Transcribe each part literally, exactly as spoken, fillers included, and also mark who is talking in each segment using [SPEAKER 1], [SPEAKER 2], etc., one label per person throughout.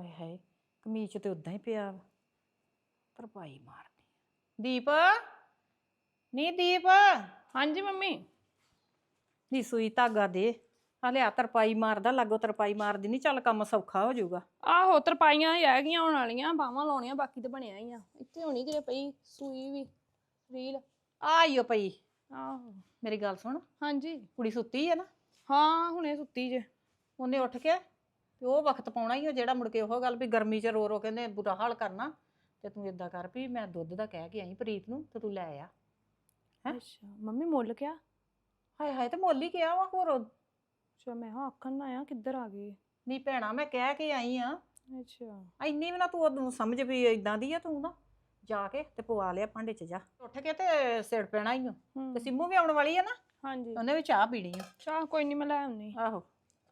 [SPEAKER 1] ਹਾਏ ਹਾਏ ਕਮੀਜ਼ ਤੇ ਉਦਾਂ ਹੀ ਪਿਆ ਵਾ ਤਰਪਾਈ ਮਾਰਨੀ। ਦੀਪ ਨੀ ਦੀਪ
[SPEAKER 2] ਹਾਂਜੀ ਮੰਮੀ।
[SPEAKER 1] ਨੀ ਸੂਈ ਧਾਗਾ ਦੇ ਆ ਲਿਆ ਤਰਪਾਈ ਮਾਰਦਾ ਲਾਗੋ ਤਰਪਾਈ ਮਾਰਦੀ ਨਹੀਂ ਚੱਲ ਕੰਮ ਸੌਖਾ ਹੋ ਜਾਊਗਾ।
[SPEAKER 2] ਆਹੋ ਤਰਪਾਈਆਂ ਹੀ ਰਹਿ ਗਈਆਂ ਹੋਣ ਵਾਲੀਆਂ ਬਾਹਾਂ ਲਾਉਣੀਆਂ ਬਾਕੀ ਤੇ ਬਣਿਆ ਹੀ ਆ ਇੱਥੇ ਹੋਣੀ ਕਿਤੇ ਪਈ ਸੂਈ ਵੀ ਰੀਲ
[SPEAKER 1] ਆਈਓ ਪਈ।
[SPEAKER 2] ਆਹੋ
[SPEAKER 1] ਮੇਰੀ ਗੱਲ ਸੁਣ
[SPEAKER 2] ਹਾਂਜੀ
[SPEAKER 1] ਕੁੜੀ ਸੁੱਤੀ ਹੈ ਨਾ?
[SPEAKER 2] ਹਾਂ ਹੁਣੇ ਸੁੱਤੀ ਜੇ।
[SPEAKER 1] ਉਹਨੇ ਉੱਠ ਕੇ ਤੇ ਉਹ ਵਕਤ ਪਾਉਣਾ ਹੀ ਜਿਹੜਾ ਮੁੜ ਕੇ ਉਹ ਗੱਲ ਵੀ ਗਰਮੀ 'ਚ ਰੋ ਰੋ ਕਹਿੰਦੇ ਬੁਰਾ ਹਾਲ ਕਰਨਾ ਤੇ ਤੂੰ ਏਦਾਂ ਕਰ ਵੀ ਮੈਂ ਦੁੱਧ ਦਾ ਕਹਿ ਕੇ ਆਈ ਪ੍ਰੀਤ ਨੂੰ ਤੇ ਤੂੰ ਲੈ ਆ। ਹੈਂ
[SPEAKER 2] ਅੱਛਾ ਮੰਮੀ ਮੁੱਲ ਕਿਆ?
[SPEAKER 1] ਹਾਏ ਹਾਏ ਤੇ ਮੁੱਲ ਹੀ ਕਿਹਾ ਵਾ ਹੋਰ।
[SPEAKER 2] ਅੱਛਾ ਮੈਂ ਹਾਂ ਆਖਣ ਨਾ ਆ ਕਿੱਧਰ ਆ ਗਈ।
[SPEAKER 1] ਨਹੀਂ ਭੈਣਾ ਮੈਂ ਕਹਿ ਕੇ ਆਈ ਆ।
[SPEAKER 2] ਅੱਛਾ
[SPEAKER 1] ਇੰਨੀ ਵੀ ਨਾ ਤੂੰ ਉਹਨੂੰ ਸਮਝ ਵੀ ਇਦਾਂ ਦੀ ਆ ਤੂੰ ਨਾ ਜਾ ਕੇ ਤੇ ਪਵਾ ਲਿਆ ਭਾਂਡੇ 'ਚ ਜਾ ਉੱਠ ਕੇ ਤੇ ਸਿਰ ਪੈਣਾ ਹੀ ਤੇ ਸਿੰਮੂ ਵੀ ਆਉਣ ਵਾਲੀ ਆ ਨਾ
[SPEAKER 2] ਹਾਂਜੀ
[SPEAKER 1] ਉਹਨੇ ਵੀ ਚਾਹ ਪੀਣੀ ਆ।
[SPEAKER 2] ਚਾਹ ਕੋਈ ਨਹੀਂ ਮੈਂ ਲੈ ਆਉਣੀ।
[SPEAKER 1] ਆਹੋ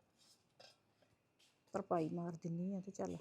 [SPEAKER 1] ਤਰਪਾਈ ਮਾਰ ਦਿੰਨੀ ਆ ਤੇ ਚੱਲ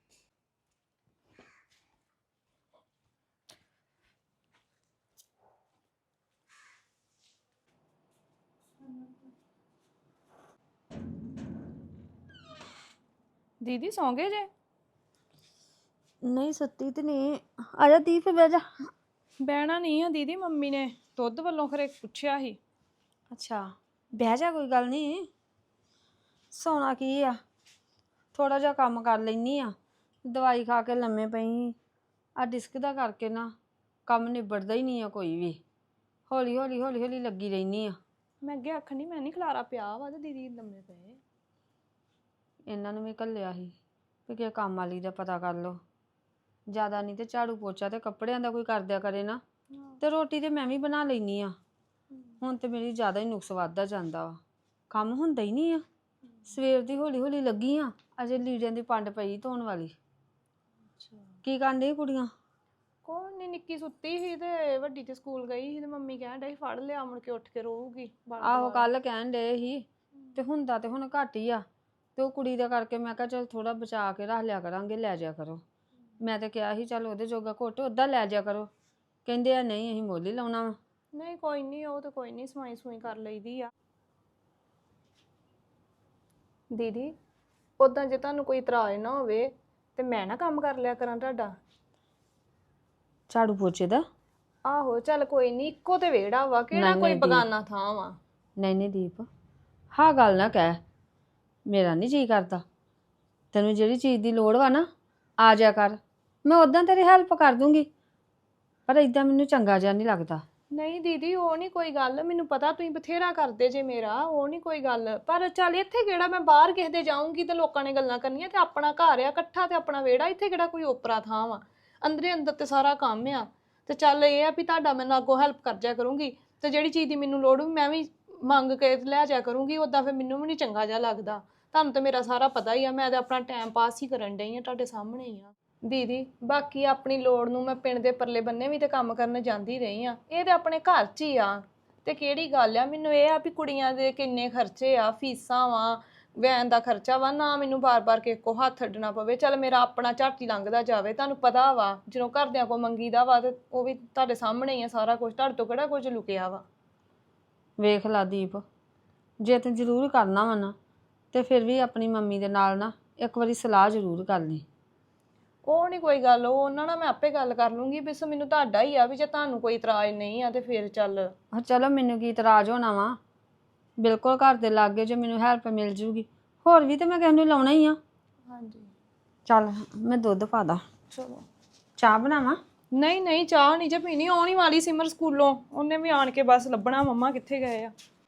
[SPEAKER 2] ਦੀਦੀ ਸੌਂ ਗਏ ਜੇ?
[SPEAKER 3] ਨਹੀਂ ਸੁੱਤੀ ਤੇ ਨਹੀਂ। ਆ ਜਾ ਦੀਪ ਬਹਿ ਜਾ।
[SPEAKER 2] ਬਹਿਣਾ ਨਹੀਂ ਆ ਦੀਦੀ ਮੰਮੀ ਨੇ ਦੁੱਧ ਵੱਲੋਂ ਖਰੇ ਪੁੱਛਿਆ ਸੀ।
[SPEAKER 3] ਅੱਛਾ ਬਹਿ ਜਾ ਕੋਈ ਗੱਲ ਨਹੀਂ। ਸੌਣਾ ਕੀ ਆ ਥੋੜਾ ਜਿਹਾ ਕੰਮ ਕਰ ਲੈਨੀ ਆ ਦਵਾਈ ਖਾ ਕੇ ਲੰਮੇ ਪਈ ਆ ਡਿਸਕ ਦਾ ਕਰਕੇ ਨਾ ਕੰਮ ਨਿਬੜਦਾ ਹੀ ਨਹੀਂ ਆ ਕੋਈ ਵੀ। ਹੌਲੀ ਹੌਲੀ ਹੌਲੀ ਹੌਲੀ ਲੱਗੀ ਰਹਿਨੀ ਆ।
[SPEAKER 2] ਮੈਂ ਅੱਗੇ ਆਖਣੀ ਮੈਂ ਨਹੀਂ ਖਲਾਰਾ ਪਿਆ ਵਾ ਤੇ ਦੀਦੀ ਲੰਮੇ ਪਏ।
[SPEAKER 3] ਇਹਨਾਂ ਨੂੰ ਵੀ ਘੱਲਿਆ ਸੀ ਵੀ ਕਿ ਕੰਮ ਵਾਲੀ ਦਾ ਪਤਾ ਕਰ ਲਓ। ਜ਼ਿਆਦਾ ਨਹੀਂ ਤੇ ਝਾੜੂ ਪੋਚਾ ਤੇ ਕੱਪੜਿਆਂ ਦਾ ਕੋਈ ਕਰਦਿਆ ਕਰੇ ਨਾ ਤੇ ਰੋਟੀ ਤੇ ਮੈਂ ਵੀ ਬਣਾ ਲੈਨੀ ਆ। ਹੁਣ ਤੇ ਮੇਰੀ ਜ਼ਿਆਦਾ ਹੀ ਨੁਕਸ ਵੱਧਦਾ ਜਾਂਦਾ ਵਾ ਕੰਮ ਹੁੰਦਾ ਹੀ ਨਹੀਂ ਆ। ਸਵੇਰ ਦੀ ਹੌਲੀ ਹੌਲੀ ਲੱਗੀ ਆ ਅਜੇ ਲੀੜਿਆਂ ਦੀ ਪੰਡ ਪਈ ਧੋਣ ਵਾਲੀ। ਕੀ ਕਰਨ ਡਈ ਕੁੜੀਆਂ?
[SPEAKER 2] ਕੋਈ ਨਹੀਂ ਨਿੱਕੀ ਸੁੱਤੀ ਸੀ ਤੇ ਵੱਡੀ ਤੇ ਸਕੂਲ ਗਈ ਸੀ ਤੇ ਮੰਮੀ ਕਹਿਣ ਡਈ ਫੜ ਲਿਆ ਮੁੜ ਕੇ ਉੱਠ ਕੇ ਰੋਊਗੀ।
[SPEAKER 3] ਆਹੋ ਕੱਲ ਕਹਿਣ ਡਏ ਸੀ ਤੇ ਹੁੰਦਾ ਤੇ ਹੁਣ ਘੱਟ ਹੀ ਆ ਤੇ ਉਹ ਕੁੜੀ ਦਾ ਕਰਕੇ ਮੈਂ ਕਿਹਾ ਚਲ ਥੋੜਾ ਬਚਾ ਕੇ ਰੱਖ ਲਿਆ ਕਰਾਂਗੇ ਲੈ ਜਾ ਕਰੋ। ਮੈਂ ਤਾਂ ਕਿਹਾ ਸੀ ਚੱਲ ਉਹਦੇ ਜੋਗਾ ਘੁੱਟ ਉੱਦਾਂ ਲੈ ਜਾ ਕਰੋ। ਕਹਿੰਦੇ ਆ ਨਹੀਂ ਅਸੀਂ ਮੁੱਲ ਹੀ ਲਾਉਣਾ ਵਾ।
[SPEAKER 2] ਨਹੀਂ ਕੋਈ ਨਹੀਂ ਉਹ ਤਾਂ ਕੋਈ ਨਹੀਂ ਸਵਾਈ ਸੂਈ ਕਰ ਲਈਦੀ ਆ। ਦੀਦੀ ਉਦਾਂ ਜੇ ਤੁਹਾਨੂੰ ਕੋਈ ਇਤਰਾਜ਼ ਨਾ ਹੋਵੇ ਤੇ ਮੈਂ ਨਾ ਕੰਮ ਕਰ ਲਿਆ ਕਰਾਂ ਤੁਹਾਡਾ।
[SPEAKER 3] ਝਾੜੂ ਪੋਚੇ ਦਾ?
[SPEAKER 2] ਆਹੋ ਚੱਲ ਕੋਈ ਨਹੀਂ ਇੱਕੋ ਤੇ ਵਿਹੜਾ ਵਾ ਕਿਹੜਾ ਕੋਈ ਬਗਾਨਾ ਥਾਂ ਵਾ।
[SPEAKER 3] ਨਹੀਂ ਨਹੀਂ ਦੀਪ ਹਾਂ ਗੱਲ ਨਾ ਕਹਿ ਮੇਰਾ ਨਹੀਂ ਜੀ ਕਰਦਾ। ਤੈਨੂੰ ਜਿਹੜੀ ਚੀਜ਼ ਦੀ ਲੋੜ ਵਾ ਨਾ ਆ ਜਾ ਕਰ ਮੈਂ ਉਦਾਂ ਤੇਰੀ ਹੈਲਪ ਕਰ ਦੂੰਗੀ ਪਰ ਇਦਾਂ ਮੈਨੂੰ ਚੰਗਾ ਜਿਹਾ ਨਹੀਂ ਲੱਗਦਾ।
[SPEAKER 2] ਨਹੀਂ ਦੀਦੀ ਉਹ ਨਹੀਂ ਕੋਈ ਗੱਲ ਮੈਨੂੰ ਪਤਾ ਤੁਸੀਂ ਬਥੇਰਾ ਕਰਦੇ ਜੇ ਮੇਰਾ ਉਹ ਨਹੀਂ ਕੋਈ ਗੱਲ ਪਰ ਚੱਲ ਇੱਥੇ ਕਿਹੜਾ ਮੈਂ ਬਾਹਰ ਕਿਸੇ ਦੇ ਜਾਊਂਗੀ ਤੇ ਲੋਕਾਂ ਨੇ ਗੱਲਾਂ ਕਰਨੀਆਂ ਤੇ ਆਪਣਾ ਘਰ ਆ ਇਕੱਠਾ ਤੇ ਆਪਣਾ ਵਿਹੜਾ ਇੱਥੇ ਕਿਹੜਾ ਕੋਈ ਓਪਰਾ ਥਾਂ ਵਾ। ਅੰਦਰੇ ਅੰਦਰ ਤੇ ਸਾਰਾ ਕੰਮ ਆ ਤੇ ਚੱਲ ਇਹ ਆ ਵੀ ਤੁਹਾਡਾ ਮੈਂ ਅੱਗੋਂ ਹੈਲਪ ਕਰ ਜਾ ਕਰੂੰਗੀ ਤੇ ਜਿਹੜੀ ਚੀਜ਼ ਦੀ ਮੈਨੂੰ ਲੋੜ ਮੈਂ ਵੀ ਮੰਗ ਕੇ ਲੈ ਜਾ ਕਰੂੰਗੀ। ਉਦਾਂ ਫਿਰ ਮੈਨੂੰ ਵੀ ਨਹੀਂ ਚੰਗਾ ਜਿਹਾ ਲੱਗਦਾ। ਤੁਹਾਨੂੰ ਤਾਂ ਮੇਰਾ ਸਾਰਾ ਪਤਾ ਹੀ ਆ ਮੈਂ ਤਾਂ ਆਪਣਾ ਟਾਈਮ ਪਾਸ ਹੀ ਕਰਨ ਡਈ ਆ ਤੁਹਾਡੇ ਸਾਹਮਣੇ ਹੀ ਆ। ਦੀਦੀ ਬਾਕੀ ਆਪਣੀ ਲੋੜ ਨੂੰ ਮੈਂ ਪਿੰਡ ਦੇ ਪਰਲੇ ਬੰਨੇ ਵੀ ਤੇ ਕੰਮ ਕਰਨ ਜਾਂਦੀ ਰਹੀ ਆ। ਇਹ ਤੇ ਆਪਣੇ ਘਰ 'ਚ ਹੀ ਆ ਤੇ ਕਿਹੜੀ ਗੱਲ ਆ। ਮੈਨੂੰ ਇਹ ਆ ਵੀ ਕੁੜੀਆਂ ਦੇ ਕਿੰਨੇ ਖਰਚੇ ਆ ਫੀਸਾਂ ਵਾ ਵੈਨ ਦਾ ਖਰਚਾ ਵਾ ਨਾ ਮੈਨੂੰ ਬਾਰ-ਬਾਰ ਕਿਸੇ ਕੋ ਹੱਥ ਅੱਡਣਾ ਪਵੇ। ਚੱਲ ਮੇਰਾ ਆਪਣਾ ਝੱਟ ਹੀ ਲੰਘਦਾ ਜਾਵੇ। ਤੁਹਾਨੂੰ ਪਤਾ ਵਾ ਜਦੋਂ ਘਰਦਿਆਂ ਕੋ ਮੰਗੀਦਾ ਵਾ ਤੇ ਉਹ ਵੀ ਤੁਹਾਡੇ ਸਾਹਮਣੇ ਹੀ ਆ ਸਾਰਾ ਕੁਝ। ਤੁਹਾਡੇ ਤੋਂ ਕਿਹੜਾ ਕੁਝ ਲੁਕਿਆ ਵਾ।
[SPEAKER 3] ਵੇਖ ਲਾ ਦੀਪ ਜੇ ਤੂੰ ਜ਼ਰੂਰ ਕਰਨਾ ਵਾ ਨਾ ਤੇ ਫਿਰ ਵੀ ਆਪਣੀ ਮੰਮੀ ਦੇ ਨਾਲ ਨਾ ਇੱਕ ਵਾਰੀ ਸਲਾਹ ਜ਼ਰੂਰ ਕਰ ਲਈ।
[SPEAKER 2] ਉਹ ਨਹੀਂ ਕੋਈ ਗੱਲ ਉਹ ਉਹਨਾਂ ਨਾਲ ਮੈਂ ਆਪੇ ਗੱਲ ਕਰ ਲੂੰਗੀ। ਬਸ ਮੈਨੂੰ ਤੁਹਾਡਾ ਹੀ ਆ ਵੀ ਜੇ ਤੁਹਾਨੂੰ ਕੋਈ ਇਤਰਾਜ਼ ਨਹੀਂ ਆ ਤੇ ਫਿਰ ਚੱਲ।
[SPEAKER 3] ਹਾਂ ਚਲੋ ਮੈਨੂੰ ਕੀ ਇਤਰਾਜ਼ ਹੋਣਾ ਵਾ ਬਿਲਕੁਲ ਘਰ ਦੇ ਲਾਗੇ ਜੇ ਮੈਨੂੰ ਹੈਲਪ ਮਿਲ ਜੂਗੀ ਹੋਰ ਵੀ ਤੇ ਮੈਂ ਕਿਸੇ ਨੂੰ ਲਾਉਣਾ ਹੀ ਆ।
[SPEAKER 2] ਹਾਂਜੀ
[SPEAKER 3] ਚੱਲ ਮੈਂ ਦੁੱਧ ਪਾ ਦਾਂ।
[SPEAKER 2] ਚਲੋ
[SPEAKER 3] ਚਾਹ ਬਣਾਵਾਂ?
[SPEAKER 2] ਨਹੀਂ ਨਹੀਂ ਚਾਹ ਨਹੀਂ ਜੇ ਪੀਣੀ ਆਉਣੀ ਵਾਲੀ ਸਿਮਰ ਸਕੂਲੋਂ ਉਹਨੇ ਵੀ ਆਣ ਕੇ ਬਸ ਲੱਭਣਾ ਮੰਮਾ ਕਿੱਥੇ ਗਏ ਆ।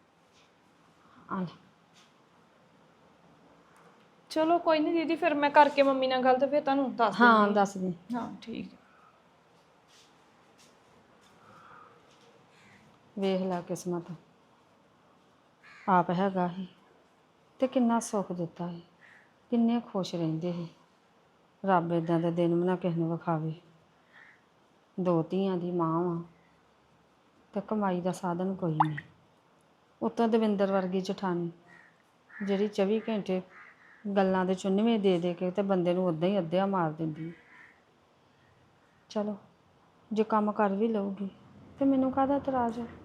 [SPEAKER 3] ਆ
[SPEAKER 2] ਚਲੋ ਕੋਈ ਨਹੀਂ ਦੀਦੀ ਫਿਰ ਮੈਂ ਕਰਕੇ ਮੰਮੀ ਨਾਲ ਗੱਲ ਤੇ ਫਿਰ ਤੁਹਾਨੂੰ ਦੱਸ ਦਿੰਦੀ।
[SPEAKER 3] ਹਾਂ ਦੱਸ ਦੇ।
[SPEAKER 2] ਹਾਂ ਠੀਕ ਹੈ।
[SPEAKER 3] ਵੇਖ ਲੈ ਕਿਸਮਤ ਆਪ ਹੈਗਾ ਸੀ ਤੇ ਕਿੰਨਾ ਸੁੱਖ ਦਿੱਤਾ ਸੀ ਕਿੰਨੇ ਖੁਸ਼ ਰਹਿੰਦੇ ਸੀ। ਰੱਬ ਇਦਾਂ ਦੇ ਦਿਨ ਵੀ ਨਾ ਕਿਸੇ ਨੂੰ ਵਿਖਾਵੇ। ਦੋ ਧੀਆਂ ਦੀ ਮਾਂ ਵਾਂ ਤੇ ਕਮਾਈ ਦਾ ਸਾਧਨ ਕੋਈ ਨਹੀਂ। ਉੱਤੋਂ ਦਵਿੰਦਰ ਵਰਗੀ ਜਠਾਣੀ ਜਿਹੜੀ ਚੌਵੀ ਘੰਟੇ ਗੱਲਾਂ ਦੇ ਚੁੰਨਵੇਂ ਦੇ ਦੇ ਕੇ ਤੇ ਬੰਦੇ ਨੂੰ ਉੱਦਾਂ ਹੀ ਅੱਧਿਆ ਮਾਰ ਦਿੰਦੀ। ਚਲੋ ਜੇ ਕੰਮ ਕਰ ਵੀ ਲਊਗੀ ਤੇ ਮੈਨੂੰ ਕਾਹਦਾ ਇਤਰਾਜ਼ ਆ।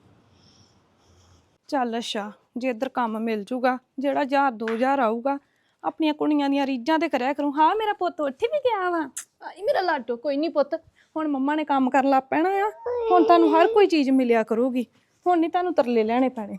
[SPEAKER 2] ਚੱਲ ਅੱਛਾ ਜੇ ਇੱਧਰ ਕੰਮ ਮਿਲ ਜੂਗਾ ਜਿਹੜਾ ਹਜ਼ਾਰ ਦੋ ਹਜ਼ਾਰ ਆਊਗਾ ਆਪਣੀਆਂ ਕੁੜੀਆਂ ਦੀਆਂ ਰੀਝਾਂ ਤੇ ਕਰਿਆ ਕਰੂੰ। ਹਾਂ ਮੇਰਾ ਪੁੱਤ ਉੱਠ ਵੀ ਗਿਆ ਵਾ, ਆਈ ਮੇਰਾ ਲਾਡੋ। ਕੋਈ ਨਹੀਂ ਪੁੱਤ, ਹੁਣ ਮੰਮਾ ਨੇ ਕੰਮ ਕਰਨ ਲੱਗ ਪੈਣਾ ਆ, ਹੁਣ ਤੁਹਾਨੂੰ ਹਰ ਕੋਈ ਚੀਜ਼ ਮਿਲਿਆ ਕਰੂਗੀ, ਹੁਣ ਨਹੀਂ ਤੁਹਾਨੂੰ ਤਰਲੇ ਲੈਣੇ ਪੈਣੇ।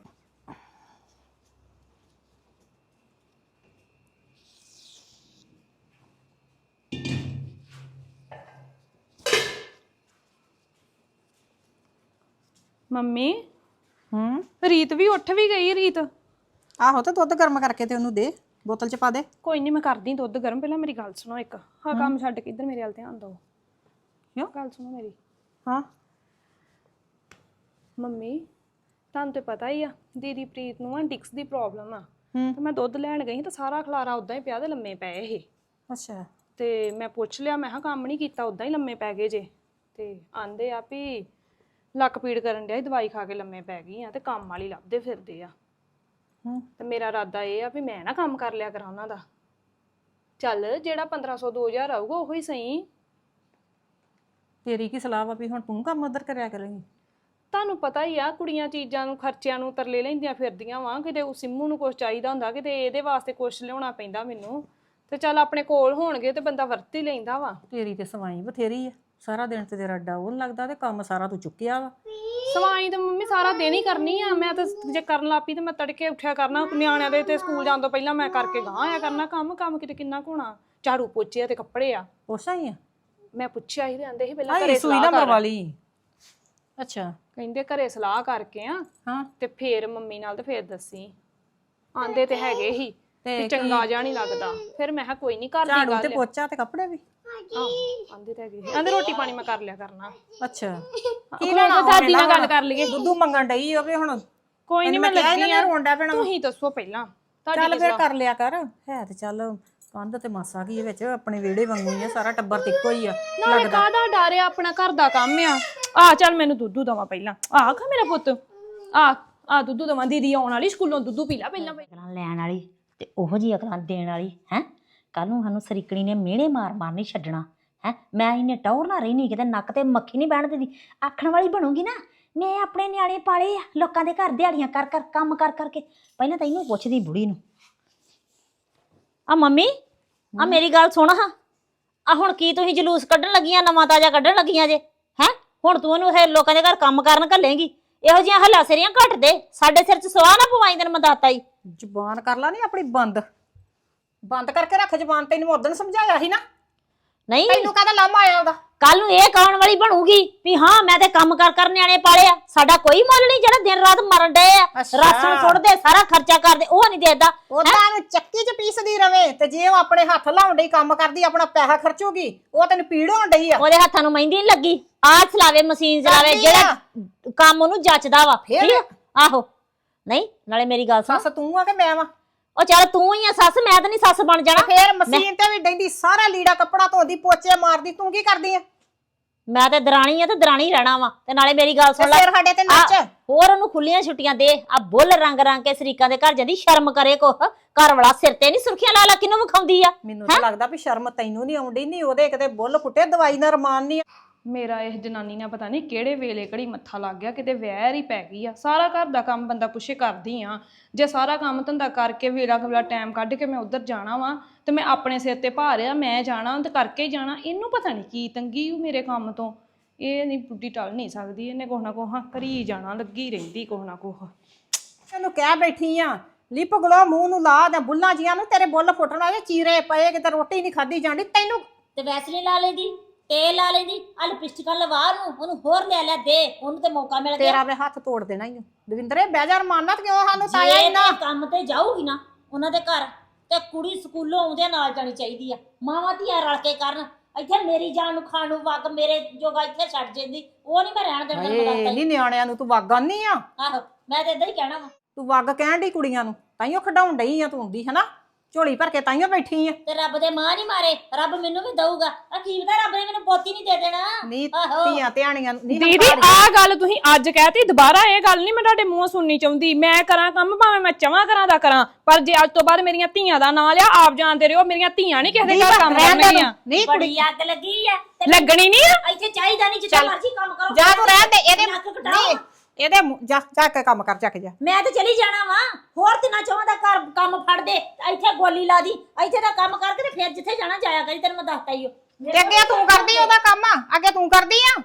[SPEAKER 2] ਮੰਮੀ
[SPEAKER 1] ਹੂੰ
[SPEAKER 2] ਰੀਤ ਵੀ ਉੱਠ ਵੀ ਗਈ। ਰੀਤ
[SPEAKER 1] ਆਹੋ ਤੇ ਦੁੱਧ ਗਰਮ ਕਰਕੇ ਤੇ ਉਹਨੂੰ ਦੇ, ਬੋਤਲ ਚ ਪਾ ਦੇ।
[SPEAKER 2] ਕੋਈ ਨਹੀਂ ਮੈਂ ਕਰਦੀ ਦੁੱਧ ਗਰਮ, ਪਹਿਲਾਂ ਮੇਰੀ ਗੱਲ ਸੁਣੋ ਇੱਕ। ਹਾਂ ਕੰਮ ਛੱਡ ਕੇ ਇੱਧਰ ਮੇਰੇ ਵੱਲ ਧਿਆਨ ਦਿਓ।
[SPEAKER 1] ਕਿਉਂ?
[SPEAKER 2] ਗੱਲ ਸੁਣੋ ਮੇਰੀ।
[SPEAKER 1] ਹਾਂ
[SPEAKER 2] ਮੰਮੀ ਤੁਹਾਨੂੰ ਤੇ ਪਤਾ ਹੀ ਆ ਦੀਦੀ ਪ੍ਰੀਤ ਨੂੰ ਆ ਡਿਕਸ ਦੀ ਪ੍ਰੋਬਲਮ ਆ,
[SPEAKER 1] ਹੂੰ
[SPEAKER 2] ਤੇ ਮੈਂ ਦੁੱਧ ਲੈਣ ਗਈ ਤਾਂ ਸਾਰਾ ਖਲਾਰਾ ਉਦਾਂ ਹੀ ਪਿਆ ਤੇ ਲੰਮੇ ਪਏ ਇਹ।
[SPEAKER 1] ਅੱਛਾ
[SPEAKER 2] ਤੇ ਮੈਂ ਪੁੱਛ ਲਿਆ, ਮੈਂ ਕਿਹਾ ਕੰਮ ਨਹੀਂ ਕੀਤਾ, ਉਦਾਂ ਹੀ ਲੰਮੇ ਪੈ ਗਏ ਜੇ। ਤੇ ਆਂਦੇ ਆ ਵੀ ਲੱਕ ਪੀੜ ਕਰਨ ਡਿਆ ਸੀ, ਦਵਾਈ ਖਾ ਕੇ ਲੰਮੇ ਪੈ ਗਈ ਆ ਤੇ ਕੰਮ ਵਾਲੀ ਲੱਭਦੇ ਫਿਰਦੇ ਆ।
[SPEAKER 1] ਹੂੰ
[SPEAKER 2] ਤੇ ਮੇਰਾ ਇਰਾਦਾ ਇਹ ਆ ਵੀ ਮੈਂ ਨਾ ਕੰਮ ਕਰ ਲਿਆ ਕਰਾਂ ਉਹਨਾਂ ਦਾ। ਚੱਲ ਜਿਹੜਾ ਪੰਦਰਾਂ ਸੌ ਦੋ ਹਜ਼ਾਰ ਆਊਗਾ ਉਹੀ ਸਹੀ।
[SPEAKER 1] ਤੇਰੀ ਕੀ ਸਲਾਹ ਵਾ ਵੀ ਹੁਣ ਤੂੰ ਕੰਮ ਉਧਰ ਕਰਿਆ ਕਰੇਂਗੀ?
[SPEAKER 2] ਤੁਹਾਨੂੰ ਪਤਾ ਹੀ ਆ ਕੁੜੀਆਂ ਚੀਜ਼ਾਂ ਨੂੰ ਖਰਚਿਆਂ ਨੂੰ ਤਰਲੇ ਲੈਂਦੀਆਂ ਫਿਰਦੀਆਂ ਵਾ, ਕਿਤੇ ਉਹ ਸਿੰਮੂ ਨੂੰ ਕੁਛ ਚਾਹੀਦਾ ਹੁੰਦਾ, ਕਿਤੇ ਇਹਦੇ ਵਾਸਤੇ ਕੁਛ ਲਿਆਉਣਾ ਪੈਂਦਾ ਮੈਨੂੰ। ਤੇ ਚੱਲ ਆਪਣੇ ਕੋਲ ਹੋਣਗੇ ਤੇ ਬੰਦਾ ਵਰਤ ਹੀ ਲੈਂਦਾ ਵਾ।
[SPEAKER 1] ਤੇਰੀ ਤੇ ਸਵਾਈ ਬਥੇਰੀ ਆ, ਸਾਰਾ ਦਿਨ ਤੇ ਤੇਰਾ ਡਾਉਨ ਲੱਗਦਾ ਤੇ ਕੰਮ ਸਾਰਾ ਤੂੰ ਚੁੱਕਿਆ ਵਾ।
[SPEAKER 2] ਸਵਾਈ ਤੇ ਮੰਮੀ ਸਾਰਾ ਦਿਨ ਹੀ ਕਰਨੀ ਆ ਮੈਂ ਤਾਂ। ਜੇ ਕਰਨ ਲੱਗ ਪਈ ਤੇ ਮੈਂ ਤੜਕੇ ਉੱਠਿਆ ਕਰਨਾ, ਨਿਆਣਿਆਂ ਦੇ ਤੇ ਸਕੂਲ ਜਾਣ ਤੋਂ ਪਹਿਲਾਂ ਮੈਂ ਕਰਕੇ ਗਾਂ ਆਇਆ ਕਰਨਾ ਕੰਮ। ਕੰਮ ਕਿਤੇ ਕਿੰਨਾ ਕੁ ਹੋਣਾ, ਝਾੜੂ ਪੋਚੇ ਆ ਤੇ ਕੱਪੜੇ ਆ।
[SPEAKER 1] ਪੁੱਛਾਂ ਹੀ ਆ?
[SPEAKER 2] ਮੈਂ ਪੁੱਛਿਆ ਹੀ ਰਹਿੰਦੇ ਸੀ ਪਹਿਲਾਂ
[SPEAKER 1] ਆਈ
[SPEAKER 2] ਘਰੇ
[SPEAKER 1] ਸੂਈ
[SPEAKER 2] ਸਲਾਹ
[SPEAKER 1] ਨਾ
[SPEAKER 2] ਕਰ।
[SPEAKER 1] ਮਰਵਾ ਲਈ। ਅੱਛਾ
[SPEAKER 2] ਕਹਿੰਦੇ ਘਰੇ ਸਲਾਹ ਕਰਕੇ ਆ
[SPEAKER 1] ਹਾਂ
[SPEAKER 2] ਤੇ ਫੇਰ ਮੰਮੀ ਨਾਲ ਤੇ ਫੇਰ ਦੱਸੀ। ਆਂਦੇ ਤੇ ਹੈਗੇ ਹੀ
[SPEAKER 1] ਤੇ
[SPEAKER 2] ਚੰਗਾ ਜਿਹਾ ਨਹੀਂ ਲੱਗਦਾ। ਫਿਰ ਮੈਂ ਕਿਹਾ ਕੋਈ ਨਹੀਂ ਘਰ ਦੀ
[SPEAKER 1] ਝਾੜੂ
[SPEAKER 2] ਗੱਲ
[SPEAKER 1] ਤੇ ਪੋਚਾ ਤੇ ਕੱਪੜੇ ਵੀ।
[SPEAKER 2] ਆਹ ਆਂਦੇ ਤੇ ਹੈਗੇ ਆਂਦੇ ਰੋਟੀ ਪਾਣੀ ਮੈਂ ਕਰ ਲਿਆ ਕਰਨਾ।
[SPEAKER 1] ਅੱਛਾ
[SPEAKER 2] ਕੀ ਲੈਣਾ ਦਾਦੀ ਨਾਲ ਗੱਲ ਕਰ ਲਈਏ।
[SPEAKER 1] ਦੁੱਧੂ ਮੰਗਣ ਡਈ ਹੋਵੇ ਹੁਣ।
[SPEAKER 2] ਕੋਈ ਨਹੀਂ ਮੈਂ ਲੱਗੀ ਆ,
[SPEAKER 1] ਰੋਂਡਾ ਪੈਣਾ।
[SPEAKER 2] ਤੁਸੀਂ ਦੱਸੋ ਪਹਿਲਾਂ ਤੁਹਾਡੀ
[SPEAKER 1] ਚੱਲ ਫਿਰ ਕਰ ਲਿਆ ਕਰ। ਹੈ ਤੇ ਚੱਲ ਕੰਧ ਤੇ ਮਾਸਾ ਕੀ ਵਿੱਚ ਆਪਣੇ ਵਿਹੜੇ ਵਾਂਗੂ ਹੀ ਆ, ਸਾਰਾ ਟੱਬਰ ਤੇ ਇੱਕੋ ਹੀ ਆ।
[SPEAKER 2] ਨਾਲੇ ਕਾਹਦਾ ਡਰ ਆ, ਆਪਣਾ ਘਰ ਦਾ ਕੰਮ ਆ। ਆ ਚੱਲ ਮੈਨੂੰ ਦੁੱਧੂ ਦਵਾ ਪਹਿਲਾਂ। ਆ ਖਾ ਮੇਰਾ ਪੁੱਤ, ਆ ਆ ਦੁੱਧੂ ਦਵਾ। ਦੀਦੀ ਆਉਣ ਵਾਲੀ ਸਕੂਲੋਂ, ਦੁੱਧੂ ਪੀ ਲੈ ਪਹਿਲਾਂ।
[SPEAKER 4] ਅਕਲਾਂ ਲੈਣ ਵਾਲੀ ਤੇ ਉਹੋ ਜੀ ਅਕਲਾਂ ਦੇਣ ਵਾਲੀ ਹੈ। ਕੱਲ ਨੂੰ ਸਾਨੂੰ ਸਰੀਕਣੀ ਨੇ ਮਿਹਣੇ ਮਾਰ ਮਾਰ ਨਹੀਂ ਛੱਡਣਾ ਹੈ। ਮੈਂ ਇਹਨੇ ਟੌਰ ਨਾ ਰਹੀ ਨਹੀਂ, ਕਿਤੇ ਨੱਕ ਤੇ ਮੱਖੀ ਨਹੀਂ ਬਹਿਣ ਦਿੰਦੀ। ਆਖਣ ਵਾਲੀ ਬਣੂਗੀ ਨਾ, ਮੈਂ ਆਪਣੇ ਨਿਆਣੇ ਪਾਲੇ ਆ, ਲੋਕਾਂ ਦੇ ਘਰ ਦਿਹਾੜੀਆਂ ਕਰ ਕਰ ਕੰਮ ਕਰ ਕਰਕੇ। ਪਹਿਲਾਂ ਤਾਂ ਇਹਨੂੰ ਪੁੱਛਦੀ ਬੁੜੀ ਨੂੰ। ਆ ਮੰਮੀ ਆ ਮੇਰੀ ਗੱਲ ਸੁਣ ਹਾਂ, ਆ ਹੁਣ ਕੀ ਤੁਸੀਂ ਜਲੂਸ ਕੱਢਣ ਲੱਗੀਆਂ, ਨਵਾਂ ਤਾਜ਼ਾ ਕੱਢਣ ਲੱਗੀਆਂ ਜੇ ਹੈ? ਹੁਣ ਤੂੰ ਇਹਨੂੰ ਇਹ ਲੋਕਾਂ ਦੇ ਘਰ ਕੰਮ ਕਰਨ ਘੱਲੇਂਗੀ? ਇਹੋ ਜਿਹੀਆਂ ਹੱਲਾ ਸੇਰੀਆਂ ਘੱਟ ਦੇ, ਸਾਡੇ ਸਿਰ 'ਚ ਸਵਾਹ ਨਾ ਪਵਾਈ। ਤੈਨੂੰ ਮੈਂ ਦੱਸਤਾ ਹੀ।
[SPEAKER 1] ਜ਼ੁਬਾਨ ਕਰ ਲਾ ਨੀ ਆਪਣੀ ਬੰਦ, ਬੰਦ ਕਰਕੇ ਰੱਖ ਜ਼ੁਬਾਨ। ਤੈਨੂੰ ਉਦੋਂ ਸਮਝਾਇਆ ਸੀ ਨਾ।
[SPEAKER 4] ਨਹੀਂ
[SPEAKER 1] ਤੈਨੂੰ ਕਾਹਦਾ ਲਾਮਾ ਆਇਆ ਉਹਦਾ?
[SPEAKER 4] ਕੱਲ ਨੂੰ ਇਹ ਕੌਣ ਵਾਲੀ ਬਣੂਗੀ ਵੀ ਹਾਂ ਮੈਂ ਤੇ ਕੰਮ ਕਰ ਕਰ ਨਿਆਣੇ ਪਾਲੇ ਆ, ਸਾਡਾ ਕੋਈ ਮੁੱਲ ਨਹੀਂ। ਜਿਹੜਾ ਦਿਨ ਰਾਤ ਮਰਨ ਡਏ ਆ, ਰਾਸ਼ਨ ਸੁੱਟਦੇ, ਸਾਰਾ ਖਰਚਾ ਕਰਦੇ, ਉਹ ਨਹੀਂ ਦੇਦਾ।
[SPEAKER 1] ਉਹਦਾ ਨੂੰ ਚੱਕੀ 'ਚ ਪੀਸਦੀ ਰਵੇ ਤੇ ਜੇ ਉਹ ਆਪਣੇ ਹੱਥ ਲਾਉਣ ਡਈ ਕੰਮ ਕਰਦੀ, ਆਪਣਾ ਪੈਸਾ ਖਰਚੂਗੀ, ਉਹ ਤੈਨੂੰ ਪੀੜ ਹੋਣ ਡਈ ਆ।
[SPEAKER 4] ਉਹਦੇ ਹੱਥਾਂ ਨੂੰ ਮਹਿੰਦੀ ਨਹੀਂ ਲੱਗੀ। ਆਹ ਚਲਾਵੇ, ਮਸ਼ੀਨ ਚਲਾਵੇ, ਜਿਹੜਾ ਕੰਮ ਉਹਨੂੰ ਜੱਚਦਾ ਵਾ। ਠੀਕ ਆ? ਆਹੋ ਨਹੀਂ ਨਾਲੇ ਮੇਰੀ ਗੱਲ ਸੁਣ।
[SPEAKER 1] ਸੱਸ ਤੂੰ ਆ ਕਿ ਮੈਂ ਵਾ?
[SPEAKER 4] ਉਹ ਚੱਲ ਤੂੰ ਹੀ ਆ ਸੱਸ, ਮੈਂ ਤਾਂ ਨਹੀਂ ਸੱਸ ਬਣ ਜਾਣਾ।
[SPEAKER 1] ਫੇਰ ਮਸ਼ੀਨ ਤੇ ਵੀ ਡੈਂਦੀ, ਸਾਰਾ ਲੀੜਾ ਕੱਪੜਾ ਧੋਂਦੀ, ਪੋਚੇ ਮਾਰਦੀ, ਤੂੰ ਕੀ ਕਰਦੀ ਆ?
[SPEAKER 4] ਮੈਂ ਤੇ ਦਰਾਣੀ ਆ ਤੇ ਦਰਾਣੀ ਰਹਿਣਾ ਵਾ। ਤੇ ਨਾਲੇ ਮੇਰੀ ਗੱਲ ਸੁਣ ਲੈ,
[SPEAKER 1] ਸਿਰ ਸਾਡੇ ਤੇ ਨੱਚ।
[SPEAKER 4] ਹੋਰ ਉਹਨੂੰ ਖੁੱਲੀਆਂ ਛੁੱਟੀਆਂ ਦੇ। ਆ ਬੁੱਲ ਰੰਗ ਰੰਗ ਕੇ ਸਰੀਕਾਂ ਦੇ ਘਰ ਜਾਂਦੀ, ਸ਼ਰਮ ਕਰੇ ਕੁਛ। ਘਰ ਵਾਲਾ ਸਿਰ ਤੇ ਨਹੀਂ ਸੁਰਖੀਆਂ ਲਾ ਲਾ ਕਿਨੂੰ ਵਿਖਾਉਂਦੀ ਆ?
[SPEAKER 1] ਮੈਨੂੰ ਤਾਂ ਲੱਗਦਾ ਵੀ ਸ਼ਰਮ ਤੈਨੂੰ ਨਹੀਂ ਆਉਂਦੀ। ਨਹੀਂ ਉਹਦੇ ਕਿਤੇ ਬੁੱਲ ਫੁੱਟੇ, ਦਵਾਈ ਨਾਲ ਰਮਾਨ ਨਹੀਂ।
[SPEAKER 2] ਮੇਰਾ ਇਹ ਜਨਾਨੀ ਨਾਲ ਪਤਾ ਨਹੀਂ ਕਿਹੜੇ ਵੇਲੇ ਘੜੀ ਮੱਥਾ ਲੱਗ ਗਿਆ, ਕਿਤੇ ਵਹਿਰ ਹੀ ਪੈ ਗਈ ਆ। ਸਾਰਾ ਘਰ ਦਾ ਕੰਮ ਬੰਦਾ ਪੁੱਛੇ ਕਰਦੀ ਆ। ਜੇ ਸਾਰਾ ਕੰਮ ਧੰਦਾ ਕਰਕੇ ਵੇਲਾ ਕਵੇਲਾ ਟਾਈਮ ਕੱਢ ਕੇ ਮੈਂ ਉੱਧਰ ਜਾਣਾ ਵਾ ਤੇ ਮੈਂ ਆਪਣੇ ਸਿਰ ਤੇ ਭਾਰ ਆ, ਮੈਂ ਜਾਣਾ ਤੇ ਕਰਕੇ ਹੀ ਜਾਣਾ। ਇਹਨੂੰ ਪਤਾ ਨਹੀਂ ਕੀ ਤੰਗੀ ਉਹ ਮੇਰੇ ਕੰਮ ਤੋਂ। ਇਹ ਨਹੀਂ ਬੁੱਢੀ ਟਲ ਨਹੀਂ ਸਕਦੀ, ਇਹਨੇ ਕੁਛ ਨਾ ਕੁਛ ਕਰੀ ਜਾਣਾ, ਲੱਗੀ ਰਹਿੰਦੀ ਕੁਛ ਨਾ ਕੁਛ।
[SPEAKER 1] ਤੈਨੂੰ ਕਹਿ ਬੈਠੀ ਆ, ਲਿਪ ਗਲੋ ਮੂੰਹ ਨੂੰ ਲਾ ਦੇ ਬੁੱਲਾਂ ਜੀਆਂ ਨੂੰ, ਤੇਰੇ ਬੁੱਲ ਫੁੱਟਣ ਵਾਲੇ, ਚੀਰੇ ਪਏ, ਕਿਤੇ ਰੋਟੀ ਨਹੀਂ ਖਾਦੀ ਜਾਂਦੀ ਤੈਨੂੰ।
[SPEAKER 4] ਤੇ ਵੈਸਲੀਨ ਲਾ ਲੈਂਦੀ, ਤੇਲ ਲਾ ਲੈਂਦੀ, ਆ ਲਿਪਸਟਿਕਾਂ ਲਵਾ ਨੂੰ, ਉਹਨੂੰ ਹੋਰ ਲੈ ਲੈ ਦੇ, ਉਹਨੂੰ ਤੇ ਮੌਕਾ ਮਿਲ ਗਿਆ।
[SPEAKER 1] ਤੇਰਾ ਵੇ ਹੱਥ ਤੋੜ ਦੇਣਾ ਹੀ ਦਵਿੰਦਰੇ। ਬਹਿਜਾਰ ਮਾਨਨਾ ਤੇ ਕਿਉਂ ਸਾਨੂੰ ਤਾਇਆ ਹੀ ਨਾ।
[SPEAKER 4] ਕੰਮ ਤੇ ਜਾਊਗੀ ਨਾ ਉਹਨਾਂ ਦੇ ਘਰ, ਤੇ ਕੁੜੀ ਸਕੂਲੋਂ ਆਉਂਦਿਆਂ ਨਾਲ ਜਾਣੀ ਚਾਹੀਦੀ ਆ। ਮਾਵਾਂ ਧੀਆਂ ਰਲ ਕੇ ਕਰਨ। ਇੱਥੇ ਮੇਰੀ ਜਾਨ ਨੂੰ ਖਾਣ ਨੂੰ ਵਗ ਮੇਰੇ ਜੋਗਾ ਇੱਥੇ ਛੱਡ ਜਾਂਦੀ, ਉਹ ਨਹੀਂ ਮੈਂ ਰਹਿਣ ਦੇਣਾ।
[SPEAKER 1] ਏ ਨਹੀਂ ਨਿਆਣਿਆਂ ਨੂੰ ਤੂੰ ਵਗ ਆਨੀ ਆ।
[SPEAKER 4] ਆਹੋ ਮੈਂ ਤੇ ਇਦਾਂ ਹੀ ਕਹਿਣਾ ਵਾ।
[SPEAKER 1] ਤੂੰ ਵਗ ਕਹਿਣ ਡਈ ਕੁੜੀਆਂ ਨੂੰ, ਤਾਈਓ ਖਡਾਉਣ ਡਈ ਆ ਤੂੰ ਹੁੰਦੀ ਹਨਾ, ਝੋਲੀ ਭਰ ਕੇ ਤਾਈਓ ਬੈਠੀ ਆ।
[SPEAKER 4] ਤੇ ਰੱਬ ਦੇ ਮਾਂ ਨਹੀਂ ਮਾਰੇ, ਰੱਬ ਮੈਨੂੰ ਵੀ ਦਊਗਾ। ਆ ਕੀ ਪਤਾ ਰੱਬ ਨੇ ਮੈਨੂੰ ਪੋਤੀ ਨਹੀਂ ਦੇ ਦੇਣਾ।
[SPEAKER 1] ਨੀ ਧੀਆਂ ਧਿਆਣੀਆਂ ਨੂੰ ਨਹੀਂ।
[SPEAKER 2] ਦੀਦੀ ਆਹ ਗੱਲ ਤੁਸੀਂ ਅੱਜ ਕਹਿਤੀ, ਦੁਬਾਰਾ ਇਹ ਗੱਲ ਨਹੀਂ ਮੈਂ ਤੁਹਾਡੇ ਮੂੰਹੋਂ ਸੁਣਨੀ ਚਾਹੁੰਦੀ। ਮੈਂ ਕਰਾਂ ਕੰਮ ਭਾਵੇਂ ਮੈਂ ਚਵਾਂ ਕਰਾਂ ਦਾ ਕਰਾਂ, ਪਰ ਜੇ ਅੱਜ ਤੋਂ ਬਾਅਦ ਮੇਰੀਆਂ ਧੀਆਂ ਦਾ ਨਾਂ ਲਿਆ, ਆਪ ਜਾਣਦੇ ਰਹੋ ਮੇਰੀਆਂ ਧੀਆਂ ਨਹੀਂ ਕਿਸੇ ਦੇ ਘਰ ਕੰਮ ਕਰਨਗੀਆਂ।
[SPEAKER 1] ਨਹੀਂ
[SPEAKER 4] ਬੜੀ ਅੱਗ ਲੱਗੀ ਆ,
[SPEAKER 2] ਲੱਗਣੀ ਨਹੀਂ ਆ।
[SPEAKER 4] ਇੱਥੇ ਚਾਹੀਦਾ ਨਹੀਂ, ਜਿੱਥੇ ਮਰਜ਼ੀ ਕੰਮ ਕਰੋ।
[SPEAKER 1] ਜਾ ਤੂੰ ਰਹਿਣ ਦੇ। ਇਹਦੇ
[SPEAKER 4] ਨੱਕ ਕਟਾਓ।
[SPEAKER 1] ਇਹਦੇ ਮੂੰਹ- ਜਾ ਜਾ ਕੇ ਕੰਮ ਕਰ ਜਾ ਕੇ ਜਾ।
[SPEAKER 4] ਮੈਂ ਤੇ ਚਲੀ ਜਾਣਾ ਵਾ ਹੋਰ ਤਿੰਨਾਂ ਚੋਂ ਦਾ ਘਰ ਕੰਮ ਫੜ ਦੇ ਇੱਥੇ ਗੋਲੀ ਲਾ ਦੀ ਇੱਥੇ ਦਾ ਕੰਮ ਕਰਕੇ ਤੇ ਫਿਰ ਜਿੱਥੇ ਜਾਣਾ ਜਾਇਆ ਕਰੀ ਤੈਨੂੰ ਮੈਂ ਦੱਸਤਾ ਹੀ
[SPEAKER 1] ਤੇ ਅੱਗੇ ਤੂੰ ਕਰਦੀ ਉਹਦਾ ਕੰਮ ਅੱਗੇ ਤੂੰ ਕਰਦੀ ਆ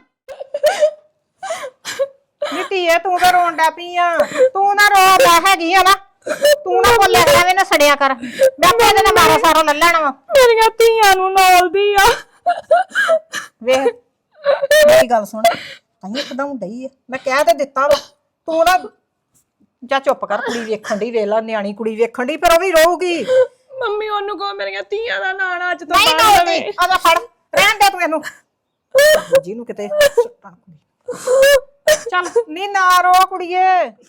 [SPEAKER 1] ਨੀਤੀ ਐ ਤੂੰ ਤਾਂ ਰੋਣ ਡੈ ਪਈ ਆ ਤੂੰ ਨਾ ਰੋ ਲੈ ਹੈਗੀ ਆ ਨਾ ਤੂੰ ਨਾ ਬੋਲਿਆ ਐਵੇਂ ਨਾ ਸੜਿਆ ਕਰ ਮੈਂ ਆਪੇ ਇਹਦੇ ਨਾਲ ਮਾਰਾ ਸਾਰਾ ਲੈ ਲੈਣਾ ਵਾ
[SPEAKER 2] ਮੇਰੀਆਂ ਧੀਆਂ ਨੂੰ ਨੌਲਦੀ ਆ
[SPEAKER 1] ਵੇਖ ਮੇਰੀ ਗੱਲ ਸੁਣ ਤਾਈਂ ਇੱਕਦਮ ਡਈ ਆ ਮੈਂ ਕਹਿ ਤੇ ਦਿੱਤਾ ਵਾ ਤੂੰ ਨਾ ਜਾ ਚੁੱਪ ਕਰ ਕੁੜੀ ਵੇਖਣ ਦੀ ਵੇਖ ਲਾ ਨਿਆਣੀ ਕੁੜੀ ਵੇਖਣ ਦੀ ਫਿਰ ਉਹ ਵੀ ਰੋਊਗੀ
[SPEAKER 2] ਮੰਮੀ ਉਹਨੂੰ ਕਹੋ ਮੇਰੀਆਂ ਧੀਆਂ ਦਾ ਨਾਂ ਨਾ ਅੱਜ ਤੋਂ
[SPEAKER 1] ਨਹੀਂ
[SPEAKER 2] ਬਾਅਦ
[SPEAKER 1] ਰੋਊਗੀ
[SPEAKER 2] ਲਵੇ।
[SPEAKER 1] ਆਦਾ ਫੜ ਰਹਿਣ ਦੇ ਤੂੰ ਇਹਨੂੰ ਜਿਹਨੂੰ ਕਿਤੇ ਸੁੱਟਣ ਕੁੜੀ ਚੱਲ ਨੀ ਨਾ ਰੋ ਕੁੜੀਏ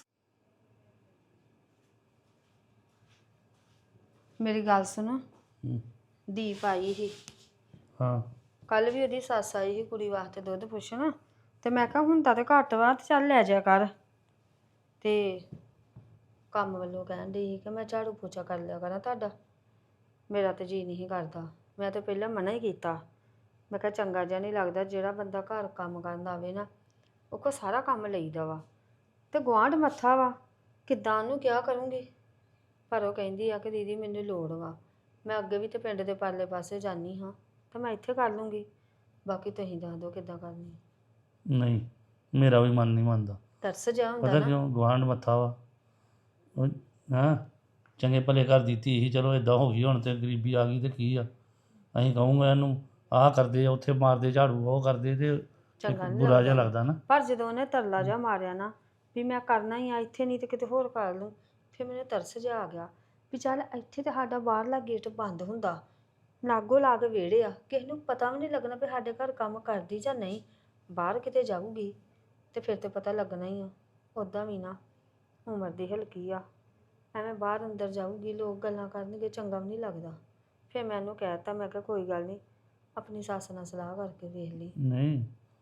[SPEAKER 3] ਮੇਰੀ ਗੱਲ ਸੁਣ ਦੀਪ ਆਈ ਸੀ
[SPEAKER 5] ਹਾਂ
[SPEAKER 3] ਕੱਲ ਵੀ ਉਹਦੀ ਸੱਸ ਆਈ ਸੀ ਕੁੜੀ ਵਾਸਤੇ ਦੁੱਧ ਪੁੱਛਣ ਤੇ ਮੈਂ ਕਿਹਾ ਹੁਣ ਤਾਂ ਤੇ ਘੱਟ ਵਾ ਤੇ ਚੱਲ ਲੈ ਜਾ ਕਰ ਤੇ ਕੰਮ ਵੱਲੋਂ ਕਹਿਣ ਡਈ ਸੀ ਕਿ ਮੈਂ ਝਾੜੂ ਪੋਚਾ ਕਰ ਲਿਆ ਕਰਾਂ ਤੁਹਾਡਾ ਮੇਰਾ ਤੇ ਜੀ ਨਹੀਂ ਕਰਦਾ ਮੈਂ ਤੇ ਪਹਿਲਾਂ ਮਨਾ ਹੀ ਕੀਤਾ ਮੈਂ ਕਿਹਾ ਚੰਗਾ ਜਿਹਾ ਨਹੀਂ ਲੱਗਦਾ ਜਿਹੜਾ ਬੰਦਾ ਘਰ ਕੰਮ ਕਰਨ ਆਵੇ ਨਾ ਉਹ ਕੋ ਸਾਰਾ ਕੰਮ ਲਈਦਾ ਵਾ ਤੇ ਗੁਆਂਢ ਮੱਥਾ ਵਾ ਕਿੱਦਾਂ ਉਹਨੂੰ ਕਿਹਾ ਕਰੂੰਗੀ ਪਰ ਉਹ ਕਹਿੰਦੀ ਆ ਕਿ ਦੀਦੀ ਮੈਨੂੰ ਲੋੜ ਵਾ ਮੈਂ ਅੱਗੇ ਵੀ ਤੇ ਪਿੰਡ ਦੇ ਪਰਲੇ ਪਾਸੇ ਜਾਂਦੀ ਹਾਂ ਤਾਂ ਮੈਂ ਇੱਥੇ ਕਰ ਲੂੰਗੀ ਬਾਕੀ ਤੁਸੀਂ ਦੱਸ ਦਿਓ ਕਿੱਦਾਂ ਕਰਨੀ
[SPEAKER 5] ਨਹੀਂ ਮੇਰਾ ਵੀ ਮਨ ਨਹੀਂ ਮੰਨਦਾ
[SPEAKER 3] ਤਰਸ ਜਾ ਹੁੰਦਾ
[SPEAKER 5] ਪਤਾ
[SPEAKER 3] ਨਾ
[SPEAKER 5] ਕਿਉਂ ਗੁਆਂਢ ਮੱਥਾ ਵਾ ਉਹ ਹਾਂ ਚੰਗੇ ਭਲੇ ਘਰ ਦੀ ਧੀ ਸੀ ਚਲੋ ਇਦਾਂ ਹੋ ਗਈ ਹੁਣ ਤੇ ਗਰੀਬੀ ਆ ਗਈ ਤੇ ਕੀ ਆ ਅਸੀਂ ਕਹੂੰਗਾ ਇਹਨੂੰ ਆਹ ਕਰਦੇ ਆ ਉੱਥੇ ਮਾਰਦੇ ਝਾੜੂ ਉਹ ਕਰਦੇ ਤੇ
[SPEAKER 3] ਚੰਗਾ ਨਹੀਂ
[SPEAKER 5] ਬੁਰਾ ਜਿਹਾ ਲੱਗਦਾ ਨਾ
[SPEAKER 3] ਪਰ ਜਦੋਂ ਉਹਨੇ ਤਰਲਾ ਜਾ ਮਾਰਿਆ ਨਾ ਵੀ ਮੈਂ ਕਰਨਾ ਹੀ ਆ ਇੱਥੇ ਨਹੀਂ ਤੇ ਕਿਤੇ ਹੋਰ ਕਰ ਲੂੰ ਫਿਰ ਮੈਨੂੰ ਤਰਸ ਜਿਹਾ ਆ ਗਿਆ ਵੀ ਚੱਲ ਇੱਥੇ ਤੇ ਸਾਡਾ ਬਾਹਰਲਾ ਗੇਟ ਬੰਦ ਹੁੰਦਾ ਲਾਗੋ ਲਾਗ ਵਿਹੜੇ ਆ ਕਿਸੇ ਨੂੰ ਪਤਾ ਵੀ ਨਹੀਂ ਲੱਗਣਾ ਵੀ ਸਾਡੇ ਘਰ ਕੰਮ ਕਰਦੀ ਜਾਂ ਨਹੀਂ ਬਾਹਰ ਕਿਤੇ ਜਾਊਗੀ ਤੇ ਫਿਰ ਤੇ ਪਤਾ ਲੱਗਣਾ ਹੀ ਆ ਉੱਦਾਂ ਵੀ ਨਾ ਉਮਰ ਦੀ ਹਲਕੀ ਆ ਐਵੇਂ ਬਾਹਰ ਅੰਦਰ ਜਾਊਗੀ ਲੋਕ ਗੱਲਾਂ ਕਰਨਗੇ ਚੰਗਾ ਵੀ ਨਹੀਂ ਲੱਗਦਾ ਫਿਰ ਮੈਂ ਉਹਨੂੰ ਕਹਿ ਦਿੱਤਾ ਮੈਂ ਕਿਹਾ ਕੋਈ ਗੱਲ ਨਹੀਂ ਆਪਣੀ ਸੱਸ ਨਾਲ ਸਲਾਹ ਕਰਕੇ ਵੇਖ ਲਈ
[SPEAKER 5] ਨਹੀਂ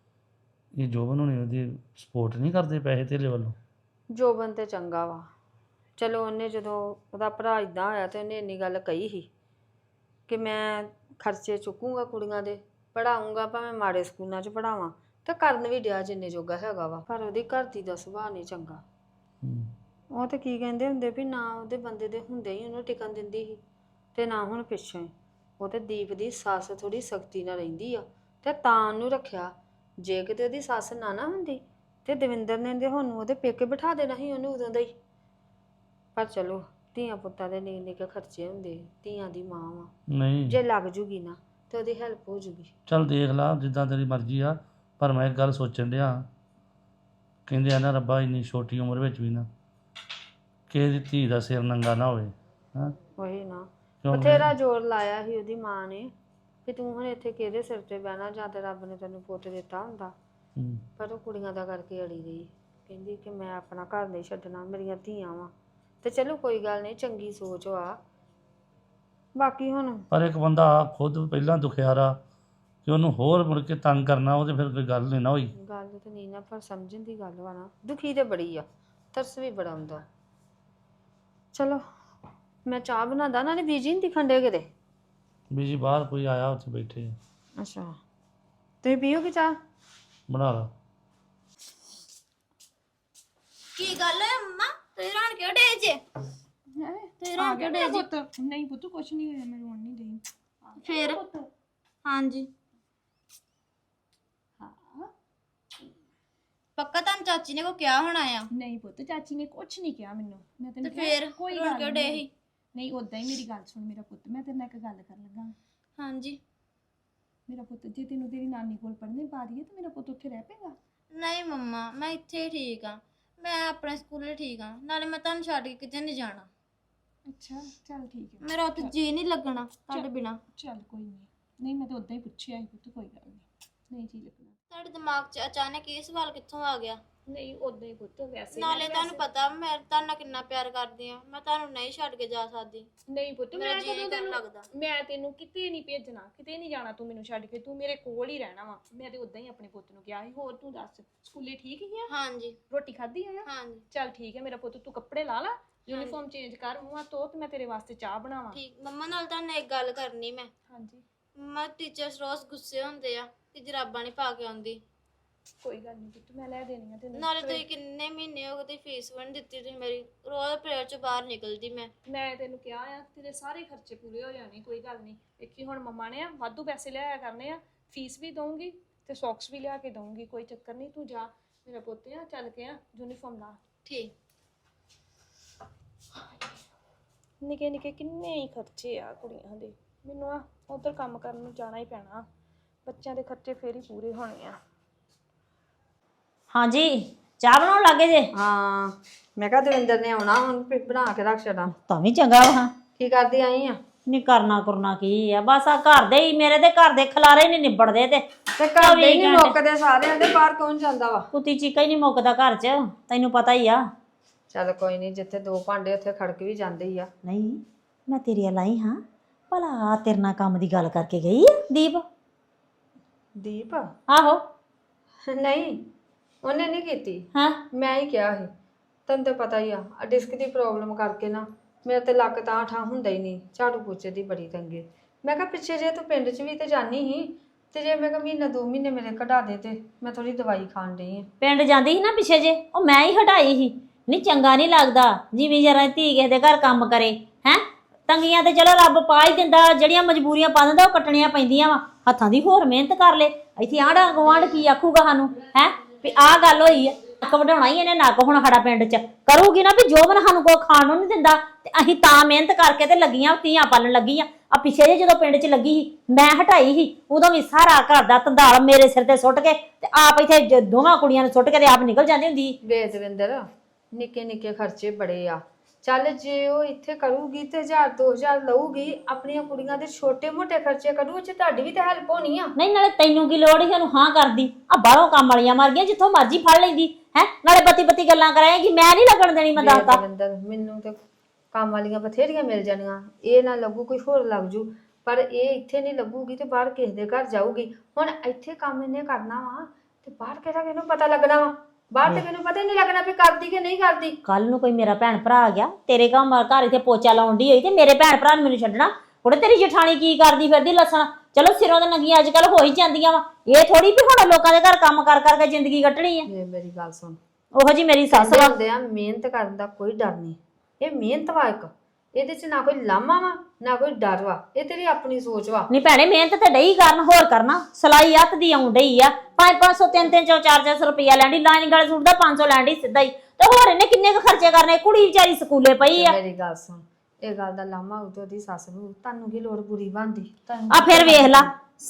[SPEAKER 5] ਇਹ ਜੋਬਨ ਹੋਣੀ ਉਹਦੀ ਸਪੋਰਟ ਨਹੀਂ ਕਰਦੇ ਪੈਸੇ ਧੇਲੇ ਵੱਲੋਂ
[SPEAKER 3] ਜੋਬਨ ਤੇ ਚੰਗਾ ਵਾ ਚਲੋ ਉਹਨੇ ਜਦੋਂ ਉਹਦਾ ਭਰਾ ਇਦਾਂ ਹੋਇਆ ਤੇ ਉਹਨੇ ਇੰਨੀ ਗੱਲ ਕਹੀ ਸੀ ਕਿ ਮੈਂ ਖਰਚੇ ਚੁੱਕੂੰਗਾ ਕੁੜੀਆਂ ਦੇ ਪੜਾਉਂਗਾ ਭਾਵੇਂ ਮਾੜੇ ਸਕੂਲਾਂ 'ਚ ਪੜਾਵਾਂ ਤੇ ਕਰਨ ਵੀ ਡਿਆ ਜਿੰਨੇ ਜੋਗਾ ਹੈਗਾ ਵਾ ਪਰ ਉਹਦੀ ਘਰ ਦੀ ਦਾ ਸੁਭਾਅ ਨਹੀਂ ਚੰਗਾ
[SPEAKER 5] ਹੂੰ।
[SPEAKER 3] ਉਹ ਤੇ ਕੀ ਕਹਿੰਦੇ ਹੁੰਦੇ ਵੀ ਨਾ ਉਹਦੇ ਬੰਦੇ ਦੇ ਹੁੰਦੇ ਹੀ ਉਹਨੂੰ ਟਿਕਣ ਦਿੰਦੀ ਸੀ ਤੇ ਨਾ ਹੁਣ ਪਿੱਛੇ ਉਹ ਤੇ ਦੀਪ ਦੀ ਸੱਸ ਥੋੜੀ ਸਖਤੀ ਨਾਲ ਰਹਿੰਦੀ ਆ ਤੇ ਤਾਂ ਉਹਨੂੰ ਰੱਖਿਆ ਜੇ ਕਿਤੇ ਉਹਦੀ ਸੱਸ ਨਾ ਨਾ ਹੁੰਦੀ ਤੇ ਦਵਿੰਦਰ ਨੇ ਤੇ ਹੁਣ ਉਹਦੇ ਪੇਕੇ ਬਿਠਾ ਦੇਣਾ ਸੀ ਉਹਨੂੰ ਉਦੋਂ ਦਾ ਹੀ ਪਰ ਚਲੋ ਧੀਆਂ ਪੁੱਤਾਂ ਦੇ ਨਿੱਕੇ ਨਿੱਕੇ ਖਰਚੇ ਹੁੰਦੇ ਧੀਆਂ ਦੀ ਮਾਂ ਵਾ
[SPEAKER 5] ਨਹੀਂ
[SPEAKER 3] ਜੇ ਲੱਗ ਜੂਗੀ ਨਾ ਤੇ ਉਹਦੀ ਹੈਲਪ ਹੋ ਜੂਗੀ
[SPEAKER 5] ਚੱਲ ਦੇਖ ਲਾ ਜਿੱਦਾਂ ਤੇਰੀ ਮਰਜ਼ੀ ਆ ਪਰ ਮੈਂ ਇੱਕ ਗੱਲ ਸੋਚਣ ਡਿਆ ਕਹਿੰਦੇ ਆ ਨਾ ਰੱਬਾ ਇੰਨੀ ਛੋਟੀ ਉਮਰ ਵਿੱਚ ਵੀ ਨਾ ਕਿਸੇ ਦੀ ਧੀ ਦਾ ਸਿਰ ਨੰਗਾ ਨਾ ਹੋਵੇ ਹਾਂ
[SPEAKER 3] ਉਹੀ ਨਾ
[SPEAKER 5] ਕਿਉਂ
[SPEAKER 3] ਬਥੇਰਾ ਜ਼ੋਰ ਲਾਇਆ ਸੀ ਉਹਦੀ ਮਾਂ ਨੇ ਕਿ ਤੂੰ ਹੁਣ ਇੱਥੇ ਕਿਹਦੇ ਸਿਰ ਤੇ ਬਹਿਣਾ ਜਾਂ ਤੇ ਰੱਬ ਨੇ ਤੈਨੂੰ ਪੁੱਤ ਦਿੱਤਾ ਹੁੰਦਾ
[SPEAKER 5] ਹੂੰ।
[SPEAKER 3] ਪਰ ਉਹ ਕੁੜੀਆਂ ਦਾ ਕਰਕੇ ਅੜੀ ਰਹੀ ਕਹਿੰਦੀ ਕਿ ਮੈਂ ਆਪਣਾ ਘਰ ਨਹੀਂ ਛੱਡਣਾ ਮੇਰੀਆਂ ਧੀਆਂ ਵਾ ਤੇ ਚਲੋ ਕੋਈ ਗੱਲ ਨਹੀਂ ਚੰਗੀ ਸੋਚ ਆ ਬਾਕੀ ਹੁਣ
[SPEAKER 5] ਪਰ ਇੱਕ ਬੰਦਾ ਆਪ ਖੁਦ ਪਹਿਲਾਂ ਦੁਖਿਆਰਾ ਕਿ ਉਹਨੂੰ ਹੋਰ ਮੁੜ ਕੇ ਤੰਗ ਕਰਨਾ ਉਹ ਤੇ ਫਿਰ ਕੋਈ ਗੱਲ ਨਹੀਂ ਨਾ ਹੋਈ
[SPEAKER 3] ਗੱਲ ਤੇ ਨਹੀਂ ਨਾ ਪਰ ਸਮਝਣ ਦੀ ਗੱਲ ਵਾ ਨਾ ਦੁਖੀ ਤੇ ਬੜੀ ਆ ਤਰਸ ਵੀ ਬੜਾ ਹੁੰਦਾ ਚਲੋ ਮੈਂ ਚਾਹ ਬਣਾਦਾ ਨਾਲੇ ਬੀਜੀ ਨਹੀਂ ਦਿਖਣ ਡੇ ਕਿਤੇ
[SPEAKER 5] ਵੀ ਜੀ ਬਾਹਰ ਕੋਈ ਆਇਆ ਉੱਥੇ ਬੈਠੇ ਆ।
[SPEAKER 3] ਅੱਛਾ ਤੁਸੀਂ ਪੀਓਗੇ ਚਾਹ
[SPEAKER 5] ਬਣਾ ਲਾ
[SPEAKER 6] ਕੀ ਗੱਲ ਹੈ ਮੰਮਾ ਤੁਸੀਂ ਰਣ ਕਿਉਂ ਡੇ ਜੇ
[SPEAKER 2] ਹੈ
[SPEAKER 6] ਤੁਸੀਂ ਰਣ ਕਿਉਂ ਡੇ ਜੇ
[SPEAKER 2] ਪੁੱਤ ਨਹੀਂ ਪੁੱਤ ਕੁਛ ਨਹੀਂ ਹੋਇਆ ਮੈਂ ਰੋਣ ਨਹੀਂ ਡਈ
[SPEAKER 6] ਫਿਰ ਹਾਂਜੀ ਪੱਕਾ ਤੁਹਾਨੂੰ ਚਾਚੀ ਨੇ ਕੋ ਕਿਹਾ ਹੋਣਾ ਆ
[SPEAKER 2] ਨਹੀਂ ਪੁੱਤ ਚਾਚੀ ਨੇ ਕੁਛ ਨਹੀਂ ਕਿਹਾ ਮੈਨੂੰ ਮੈਂ
[SPEAKER 6] ਤੇ
[SPEAKER 2] ਤੈਨੂੰ
[SPEAKER 6] ਫਿਰ
[SPEAKER 2] ਕਿਹਾ, ਕੋਈ
[SPEAKER 6] ਰਣ
[SPEAKER 2] ਗੱਲ
[SPEAKER 6] ਕਿਉਂ ਡੇ
[SPEAKER 2] ਨਹੀਂ
[SPEAKER 6] ਸੀ
[SPEAKER 2] ਨਹੀਂ ਉਦਾਂ ਹੀ ਮੇਰੀ ਗੱਲ ਸੁਣ ਮੇਰਾ ਪੁੱਤ ਮੈਂ ਤੇਰੇ ਨਾਲ ਇੱਕ ਗੱਲ ਕਰਨ ਲੱਗਾ
[SPEAKER 6] ਹਾਂਜੀ
[SPEAKER 2] ਮੇਰਾ ਪੁੱਤ ਜੇ ਤੈਨੂੰ ਤੇਰੀ ਨਾਨੀ ਕੋਲ ਪੜ੍ਹਨੇ ਪਾ ਦਈਏ ਤੇ ਮੇਰਾ ਪੁੱਤ ਉੱਥੇ ਰਹਿ ਪਏਗਾ
[SPEAKER 6] ਨਹੀਂ ਮੰਮਾ ਮੈਂ ਇੱਥੇ ਹੀ ਠੀਕ ਆ ਮੈਂ ਆਪਣੇ ਸਕੂਲੇ ਠੀਕ ਆ ਨਾਲੇ ਮੈਂ ਤੁਹਾਨੂੰ ਛੱਡ ਕੇ ਕਿਤੇ ਨਹੀਂ ਜਾਣਾ
[SPEAKER 2] ਅੱਛਾ ਚੱਲ ਠੀਕ ਹੈ
[SPEAKER 6] ਮੇਰਾ ਉੱਥੇ ਜੀ ਨਹੀਂ ਲੱਗਣਾ ਤੁਹਾਡੇ ਬਿਨਾ
[SPEAKER 2] ਚੱਲ ਕੋਈ ਨਹੀਂ ਨਹੀਂ ਮੈਂ ਤਾਂ ਉਦਾਂ ਹੀ ਪੁੱਛਿਆ ਸੀ ਪੁੱਤ ਕੋਈ ਗੱਲ ਨਹੀਂ ਨਹੀਂ ਜੀ ਲੱਗਣਾ
[SPEAKER 6] ਤੁਹਾਡੇ ਦਿਮਾਗ 'ਚ ਅਚਾਨਕ ਇਹ ਸਵਾਲ ਕਿੱਥੋਂ ਆ ਗਿਆ
[SPEAKER 2] ਨਹੀਂ ਉਦਾਂ ਹੀ ਪੁੱਤ ਵੈਸੇ
[SPEAKER 6] ਨਾਲੇ ਤੁਹਾਨੂੰ ਪਤਾ ਮੈਂ ਤੁਹਾਡੇ ਨਾਲ ਕਿੰਨਾ ਪਿਆਰ ਕਰਦੀ ਆ ਮੈਂ ਤੁਹਾਨੂੰ ਨਹੀਂ ਛੱਡ ਕੇ ਜਾ ਸਕਦੀ
[SPEAKER 2] ਨਹੀਂ ਪੁੱਤ
[SPEAKER 6] ਮੇਰਾ
[SPEAKER 2] ਮੈਂ
[SPEAKER 6] ਜੀ
[SPEAKER 2] ਕਦੋਂ
[SPEAKER 6] ਕਰਨ
[SPEAKER 2] ਤੈਨੂੰ
[SPEAKER 6] ਲੱਗਦਾ
[SPEAKER 2] ਮੈਂ ਤੈਨੂੰ ਕਿਤੇ ਨਹੀਂ ਭੇਜਣਾ ਕਿਤੇ ਨਹੀਂ ਜਾਣਾ ਤੂੰ ਮੈਨੂੰ ਛੱਡ ਕੇ ਤੂੰ ਮੇਰੇ ਕੋਲ ਹੀ ਰਹਿਣਾ ਵਾ ਮੈਂ ਤੇ ਉਦਾਂ ਹੀ ਆਪਣੇ ਪੁੱਤ ਨੂੰ ਕਿਹਾ ਸੀ ਹੋਰ ਤੂੰ ਦੱਸ ਸਕੂਲੇ ਠੀਕ ਹੀ ਆ
[SPEAKER 6] ਹਾਂਜੀ
[SPEAKER 2] ਰੋਟੀ ਖਾਧੀ ਆ
[SPEAKER 6] ਹਾਂਜੀ
[SPEAKER 2] ਚੱਲ ਠੀਕ ਹੈ ਮੇਰਾ ਪੁੱਤ ਤੂੰ ਕੱਪੜੇ ਲਾ ਲਾ ਯੂਨੀਫਾਰਮ ਚੇਂਜ ਕਰ ਮੂੰਹ ਹੱਥ ਧੋ ਤੇ ਮੈਂ ਤੇਰੇ ਵਾਸਤੇ ਚਾਹ ਬਣਾਵਾਂ
[SPEAKER 6] ਠੀਕ ਮੰਮਾ ਨਾਲ ਤੁਹਾਨੂੰ ਇੱਕ ਗੱਲ ਕਰਨੀ ਮੈਂ
[SPEAKER 2] ਹਾਂਜੀ
[SPEAKER 6] ਮੰਮਾ ਟੀਚਰਸ ਰੋਜ਼ ਗੁੱਸੇ ਹੁੰਦੇ ਆ ਕਿ ਜਰਾਬਾਂ ਨਹੀਂ ਪਾ ਕੇ ਆਉਂਦੀ
[SPEAKER 2] ਕੋਈ ਗੱਲ ਨਹੀਂ ਪੁੱਤ ਮੈਂ ਲੈ ਦੇਣੀ ਆ ਤੈਨੂੰ
[SPEAKER 6] ਨਾਲੇ ਤੁਸੀਂ ਕਿੰਨੇ ਮਹੀਨੇ ਹੋ ਗਏ ਤੇ ਫੀਸ ਵੀ ਨਹੀਂ ਦਿੱਤੀ ਤੁਸੀਂ ਮੇਰੀ ਰੋਜ਼ ਪ੍ਰੇਅਰ ਚ ਬਾਹਰ ਨਿਕਲਦੀ ਮੈਂ
[SPEAKER 2] ਮੈਂ ਤੈਨੂੰ ਕਿਹਾ ਆ ਤੇਰੇ ਸਾਰੇ ਖਰਚੇ ਪੂਰੇ ਹੋ ਜਾਣੇ ਕੋਈ ਗੱਲ ਨਹੀਂ ਵੇਖੀ ਹੁਣ ਮੰਮਾ ਨੇ ਆ ਵਾਧੂ ਪੈਸੇ ਲਿਆਇਆ ਕਰਨੇ ਆ ਫੀਸ ਵੀ ਦਊਂਗੀ ਤੇ ਸੌਕਸ ਵੀ ਲਿਆ ਕੇ ਦਊਂਗੀ ਕੋਈ ਚੱਕਰ ਨਹੀਂ ਤੂੰ ਜਾ ਮੇਰਾ ਪੁੱਤ ਆ ਚੱਲ ਕੇ ਆ ਯੂਨੀਫਾਰਮ ਲਾ
[SPEAKER 6] ਠੀਕ
[SPEAKER 2] ਨਿੱਕੇ ਨਿੱਕੇ ਕਿੰਨੇ ਹੀ ਖਰਚੇ ਆ ਕੁੜੀਆਂ ਦੇ ਮੈਨੂੰ ਆ ਉਧਰ ਕੰਮ ਕਰਨ ਨੂੰ ਜਾਣਾ ਹੀ ਪੈਣਾ ਬੱਚਿਆਂ ਦੇ ਖਰਚੇ ਫੇਰ ਹੀ ਪੂਰੇ ਹੋਣੇ ਆ
[SPEAKER 4] ਹਾਂਜੀ ਚਾਹ ਬਣਾਉਣ ਲੱਗੇ ਜੇ
[SPEAKER 3] ਹਾਂ ਮੈਂ ਕਿਹਾ ਦਵਿੰਦਰ ਨੇ ਆਉਣਾ ਹੁਣ ਫਿਰ ਬਣਾ ਕੇ ਰੱਖ ਛੱਡਾਂ।
[SPEAKER 4] ਤਾਂ ਵੀ ਚੰਗਾ ਵਾ
[SPEAKER 3] ਕੀ ਕਰਦੀ ਆਈ ਆ?
[SPEAKER 4] ਨਹੀਂ ਕਰਨਾ ਕਰਨਾ ਕੀ ਆ ਬਸ ਆ ਘਰ ਦੇ ਹੀ ਮੇਰੇ ਤੇ ਘਰ ਦੇ ਖਲਾਰੇ ਨਹੀਂ ਨਿਬੜਦੇ ਤੇ
[SPEAKER 3] ਤੇ ਘਰ ਦੇ ਹੀ ਨਹੀਂ ਮੁੱਕਦੇ ਸਾਰਿਆਂ ਦੇ ਬਾਹਰ ਕੌਣ ਜਾਂਦਾ ਵਾ?
[SPEAKER 4] ਕੁੱਤੀ ਚੀਕਾ ਹੀ ਨਹੀਂ ਮੁੱਕਦਾ ਘਰ 'ਚ ਤੈਨੂੰ ਪਤਾ ਹੀ ਆ।
[SPEAKER 3] ਚੱਲ ਕੋਈ ਨਹੀਂ ਜਿੱਥੇ ਦੋ ਭਾਂਡੇ ਉੱਥੇ ਖੜਕ ਵੀ ਜਾਂਦੇ ਹੀ ਆ।
[SPEAKER 4] ਨਹੀਂ ਮੈਂ ਤੇਰੀ ਲਾਈ ਹਾਂ ਭਲਾ ਤੇਰੇ ਨਾਲ ਕੰਮ ਦੀ ਗੱਲ ਕਰਕੇ ਗਈ ਆ ਦੀਪ?
[SPEAKER 3] ਦੀਪ
[SPEAKER 4] ਆਹੋ
[SPEAKER 3] ਨਹੀਂ ਉਹਨੇ ਨਹੀਂ ਕੀਤੀ
[SPEAKER 4] ਹਾਂ
[SPEAKER 3] ਮੈਂ ਹੀ ਕਿਹਾ ਸੀ ਤੈਨੂੰ ਤਾਂ ਪਤਾ ਹੀ ਆ ਆ ਡਿਸਕ ਦੀ ਪ੍ਰੋਬਲਮ ਕਰਕੇ ਨਾ ਮੇਰੇ ਤੇ ਲੱਕ ਤਾਂ ਠਾ ਹੁੰਦਾ ਹੀ ਨਹੀਂ ਝਾੜੂ ਪੋਚੇ ਦੀ ਬੜੀ ਤੰਗੀ। ਮੈਂ ਕਿਹਾ ਪਿੱਛੇ ਜੇ ਤੂੰ ਪਿੰਡ 'ਚ ਵੀ ਤੇ ਜਾਨੀ ਸੀ ਤੇ ਜੇ ਮੈਂ ਕਿਹਾ ਮਹੀਨਾ ਦੋ ਮਹੀਨੇ ਮੇਰੇ ਕਢਾ ਦੇ ਤੇ ਮੈਂ ਥੋੜੀ ਦਵਾਈ ਖਾਣ ਡਈ ਆ।
[SPEAKER 4] ਪਿੰਡ ਜਾਂਦੀ ਸੀ ਨਾ ਪਿੱਛੇ ਜੇ ਉਹ ਮੈਂ ਹੀ ਹਟਾਈ ਸੀ। ਨਹੀਂ ਚੰਗਾ ਨਹੀਂ ਲੱਗਦਾ ਜਿਵੇਂ ਜਰਾ ਧੀ ਕਿਸੇ ਦੇ ਘਰ ਕੰਮ ਕਰੇ ਹੈ ਤੰਗੀਆਂ ਤੇ ਚਲੋ ਰੱਬ ਪਾ ਹੀ ਦਿੰਦਾ ਜਿਹੜੀਆਂ ਮਜਬੂਰੀਆਂ ਪਾ ਦਿੰਦਾ ਉਹ ਕੱਟਣੀਆਂ ਪੈਂਦੀਆਂ ਵਾ ਹੱਥਾਂ ਦੀ ਹੋਰ ਮਿਹਨਤ ਕਰ ਲੈ ਇੱਥੇ ਆਂਢ ਗੁਆਂਢ ਕੀ ਆਖੂਗਾ ਸਾਨੂੰ ਹੈ ਵੀ ਆਹ ਗੱਲ ਹੋਈ ਆ ਨੱਕ ਵਢਾਉਣਾ ਹੀ ਇਹਨੇ ਨੱਕ ਹੁਣ ਸਾਡਾ ਪਿੰਡ 'ਚ ਕਰੂਗੀ ਨਾ ਵੀ ਜੋਬਨ ਸਾਨੂੰ ਕੋ ਖਾਣ ਨੂੰ ਨਹੀਂ ਦਿੰਦਾ ਤੇ ਅਸੀਂ ਤਾਂ ਮਿਹਨਤ ਕਰਕੇ ਤੇ ਲੱਗੀਆਂ ਧੀਆਂ ਪਾਲਣ ਲੱਗੀਆਂ ਆ ਪਿੱਛੇ ਜੇ ਜਦੋਂ ਪਿੰਡ 'ਚ ਲੱਗੀ ਸੀ ਮੈਂ ਹਟਾਈ ਸੀ ਉਦੋਂ ਵੀ ਸਾਰਾ ਘਰ ਦਾ ਧੰਦਾਲ ਮੇਰੇ ਸਿਰ ਤੇ ਸੁੱਟ ਕੇ ਤੇ ਆਪ ਇੱਥੇ ਦੋਵਾਂ ਕੁੜੀਆਂ ਨੂੰ ਸੁੱਟ ਕੇ ਤੇ ਆਪ ਨਿਕਲ ਜਾਂਦੀ ਹੁੰਦੀ ਸੀ।
[SPEAKER 3] ਵੇ ਦਵਿੰਦਰ ਨਿੱਕੇ ਨਿੱਕੇ ਖਰਚੇ ਬੜੇ ਆ ਚੱਲ ਜੇ ਉਹ ਇੱਥੇ ਕਰੂਗੀ ਤੇ ਹਜ਼ਾਰ ਦੋ ਹਜ਼ਾਰ ਲਊਗੀ ਆਪਣੀਆਂ ਕੁੜੀਆਂ ਦੇ ਛੋਟੇ ਮੋਟੇ ਖਰਚੇ ਕਰੂ ਚ ਤੁਹਾਡੀ ਵੀ ਤਾਂ ਹੈਲਪ ਹੋਣੀ ਆ।
[SPEAKER 4] ਨਹੀਂ ਨਾਲੇ ਤੈਨੂੰ ਕੀ ਲੋੜ ਸੀ ਉਹਨੂੰ ਹਾਂ ਕਰਦੀ ਆ ਬਾਹਰੋਂ ਕੰਮ ਵਾਲੀਆਂ ਮਰ ਗਈਆਂ ਜਿੱਥੋਂ ਮਰਜ਼ੀ ਫੜ ਲੈਂਦੀ ਹੈ ਨਾਲੇ ਬੱਤੀ ਬੱਤੀ ਗੱਲਾਂ ਕਰਾਏਗੀ ਮੈਂ ਨਹੀਂ ਲੱਗਣ ਦੇਣੀ ਮੈਂ ਦੱਸਦਾ।
[SPEAKER 3] ਦਵਿੰਦਰ ਮੈਨੂੰ ਤੇ ਕੰਮ ਵਾਲੀਆਂ ਬਥੇਰੀਆਂ ਮਿਲ ਜਾਣੀਆਂ ਇਹ ਨਾ ਲੱਗੂ ਕੋਈ ਹੋਰ ਲੱਗ ਜੂ ਪਰ ਇਹ ਇੱਥੇ ਨਹੀਂ ਲੱਗੂਗੀ ਤੇ ਬਾਹਰ ਕਿਸੇ ਦੇ ਘਰ ਜਾਊਗੀ। ਹੁਣ ਇੱਥੇ ਕੰਮ ਇਹਨੇ ਕਰਨਾ ਵਾ ਤੇ ਬਾਹਰ ਕਿਹੜਾ ਕਿਹਨੂੰ ਪਤਾ ਲੱਗਣਾ ਵਾ ਬਾਹਰ ਤੇ ਮੈਨੂੰ ਪਤਾ ਹੀ ਨਹੀਂ ਲੱਗਣਾ ਵੀ ਕਰਦੀ ਕਿ ਨਹੀਂ ਕਰਦੀ।
[SPEAKER 4] ਕੱਲ ਨੂੰ ਕੋਈ ਮੇਰਾ ਭੈਣ ਭਰਾ ਆ ਗਿਆ ਤੇਰੇ ਕੰਮ ਘਰ ਇੱਥੇ ਪੋਚਾ ਲਾਉਣ ਦੀ ਹੋਈ ਤੇ ਮੇਰੇ ਭੈਣ ਭਰਾ ਨੂੰ ਮੈਨੂੰ ਛੱਡਣਾ ਉਹਦੇ ਤੇਰੀ ਜਠਾਣੀ ਕੀ ਕਰਦੀ ਫਿਰਦੀ ਲੱਸਣ ਚਲੋ ਸਿਰੋਂ ਦੇ ਨੰਗੀਆਂ ਅੱਜ ਕੱਲ ਹੋ ਹੀ ਜਾਂਦੀਆਂ ਵਾ ਇਹ ਥੋੜੀ ਵੀ ਹੁਣ ਲੋਕਾਂ ਦੇ ਘਰ ਕੰਮ ਕਰ ਕਰਕੇ ਜ਼ਿੰਦਗੀ ਕੱਟਣੀ ਆ।
[SPEAKER 3] ਇਹ ਮੇਰੀ ਗੱਲ ਸੁਣ
[SPEAKER 4] ਉਹੋ ਜੀ ਮੇਰੀ ਸੱਸ ਵਾ
[SPEAKER 3] ਹੁੰਦੇ ਆ ਮਿਹਨਤ ਕਰਨ ਦਾ ਕੋਈ ਡਰ ਨਹੀਂ ਇਹ ਮਿਹਨਤ ਵਾ ਇੱਕ ਇਹਦੇ ਚ ਨਾ ਕੋਈ ਲਾਮਾ ਵਾ ਨਾ ਕੋਈ ਡਰ ਵਾ ਇਹ ਤੇਰੀ ਆਪਣੀ ਸੋਚ ਵਾ।
[SPEAKER 4] ਨਹੀਂ ਭੈਣੇ ਮਿਹਨਤ ਤੇ ਡਈ ਕਰਨ ਹੋਰ ਕਰਨਾ ਸਲਾਈ ਹੱਥ ਦੀ ਆਉਣ ਡਈ ਆ ਪੰਜ ਪੰਜ ਸੌ ਤਿੰਨ ਤਿੰਨ ਸੌ ਚਾਰ ਚਾਰ ਸੌ ਰੁਪਇਆ ਲੈਂਦੀ ਲਾਈਨ ਗਾਲੇ ਸੂਟ ਦਾ ਪੰਜ ਸੌ ਲੈਂਦੀ ਸਿੱਧਾ ਹੀ ਤੇ ਹੋਰ ਇਹਨੇ ਕਿੰਨੇ ਕੁ ਖਰਚੇ ਕਰਨੇ ਕੁੜੀ ਵਿਚਾਰੀ ਸਕੂਲੇ ਪਈ ਆ।
[SPEAKER 3] ਮੇਰੀ ਗੱਲ ਸੁਣ ਇਹ ਗੱਲ ਦਾ ਲਾਮਾ ਉਦੋਂ ਦੀ ਸੱਸ ਨੂੰ ਤੁਹਾਨੂੰ ਕੀ ਲੋੜ ਬੁਰੀ ਬਣਦੀ
[SPEAKER 4] ਆ ਫਿਰ ਵੇਖ ਲਾ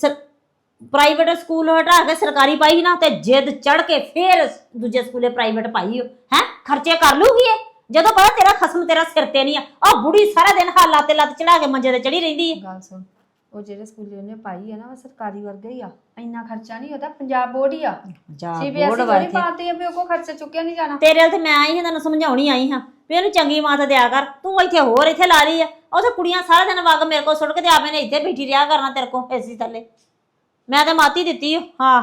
[SPEAKER 4] ਪ੍ਰਾਈਵੇਟ ਸਕੂਲ ਹਟਾ ਕੇ ਸਰਕਾਰੀ ਪਾਈ ਨਾ ਤੇ ਜਿੱਦ ਚੜ ਕੇ ਫੇਰ ਦੂਜੇ ਸਕੂਲੇ ਪ੍ਰਾਈਵੇਟ ਪਾਈ ਹੈ ਖਰਚੇ ਕਰ ਲੂਗੀ ਇਹ ਜਦੋਂ ਪਤਾ ਤੇਰਾ ਖਸਮ ਤੇਰਾ ਸਿਰ ਤੇ ਨਹੀਂ ਆ ਉਹ ਬੁੜੀ ਸਾਰਾ ਦਿਨ ਹਾਲਾਂ ਤੇ ਲੱਤ ਚੜਾ ਕੇ ਮੰਜੇ ਤੇ ਚੜੀ ਰਹਿੰਦੀ ਹੈ।
[SPEAKER 3] ਗੱਲ ਸੁਣ ਉਹ ਜਿਹੜੇ ਸਕੂਲੇ ਉਹਨੇ ਪਾਈ ਹੈ ਨਾ ਉਹ ਸਰਕਾਰੀ ਵਰਗਾ ਹੀ ਆ ਇੰਨਾ ਖਰਚਾ ਨਹੀਂ ਉਹਦਾ ਪੰਜਾਬ ਬੋਰਡ ਹੀ ਆ ਸੀਬੀਐਸਈ ਥੋੜੀ ਪਾਤੀ ਆ ਵੀ ਉਹ ਕੋ ਖਰਚਾ ਚੁੱਕਿਆ ਨਹੀਂ ਜਾਣਾ।
[SPEAKER 4] ਤੇਰੇ ਨਾਲ ਤੇ ਮੈਂ ਆਈ ਹਾਂ ਤੈਨੂੰ ਸਮਝਾਉਣੀ ਆਈ ਹਾਂ ਵੀ ਇਹਨੂੰ ਚੰਗੀ ਮਾਤ ਦਿਆ ਕਰ ਤੂੰ ਇੱਥੇ ਹੋਰ ਇੱਥੇ ਲਾ ਲਈ ਆ ਉਹ ਕੁੜੀਆਂ ਸਾਰਾ ਦਿਨ ਵਗ ਮੇਰੇ ਕੋਲ ਸੁੱਟ ਕੇ ਤੇ ਆਪੇ ਨੇ ਇੱਥੇ ਬੈਠੀ ਰਿਹਾ ਕਰਨਾ ਤੇਰੇ ਕੋਲ ਏਸੀ ਥੱਲੇ ਮੈਂ ਤੇ ਮਾਤੀ ਦਿੱਤੀ ਹਾਂ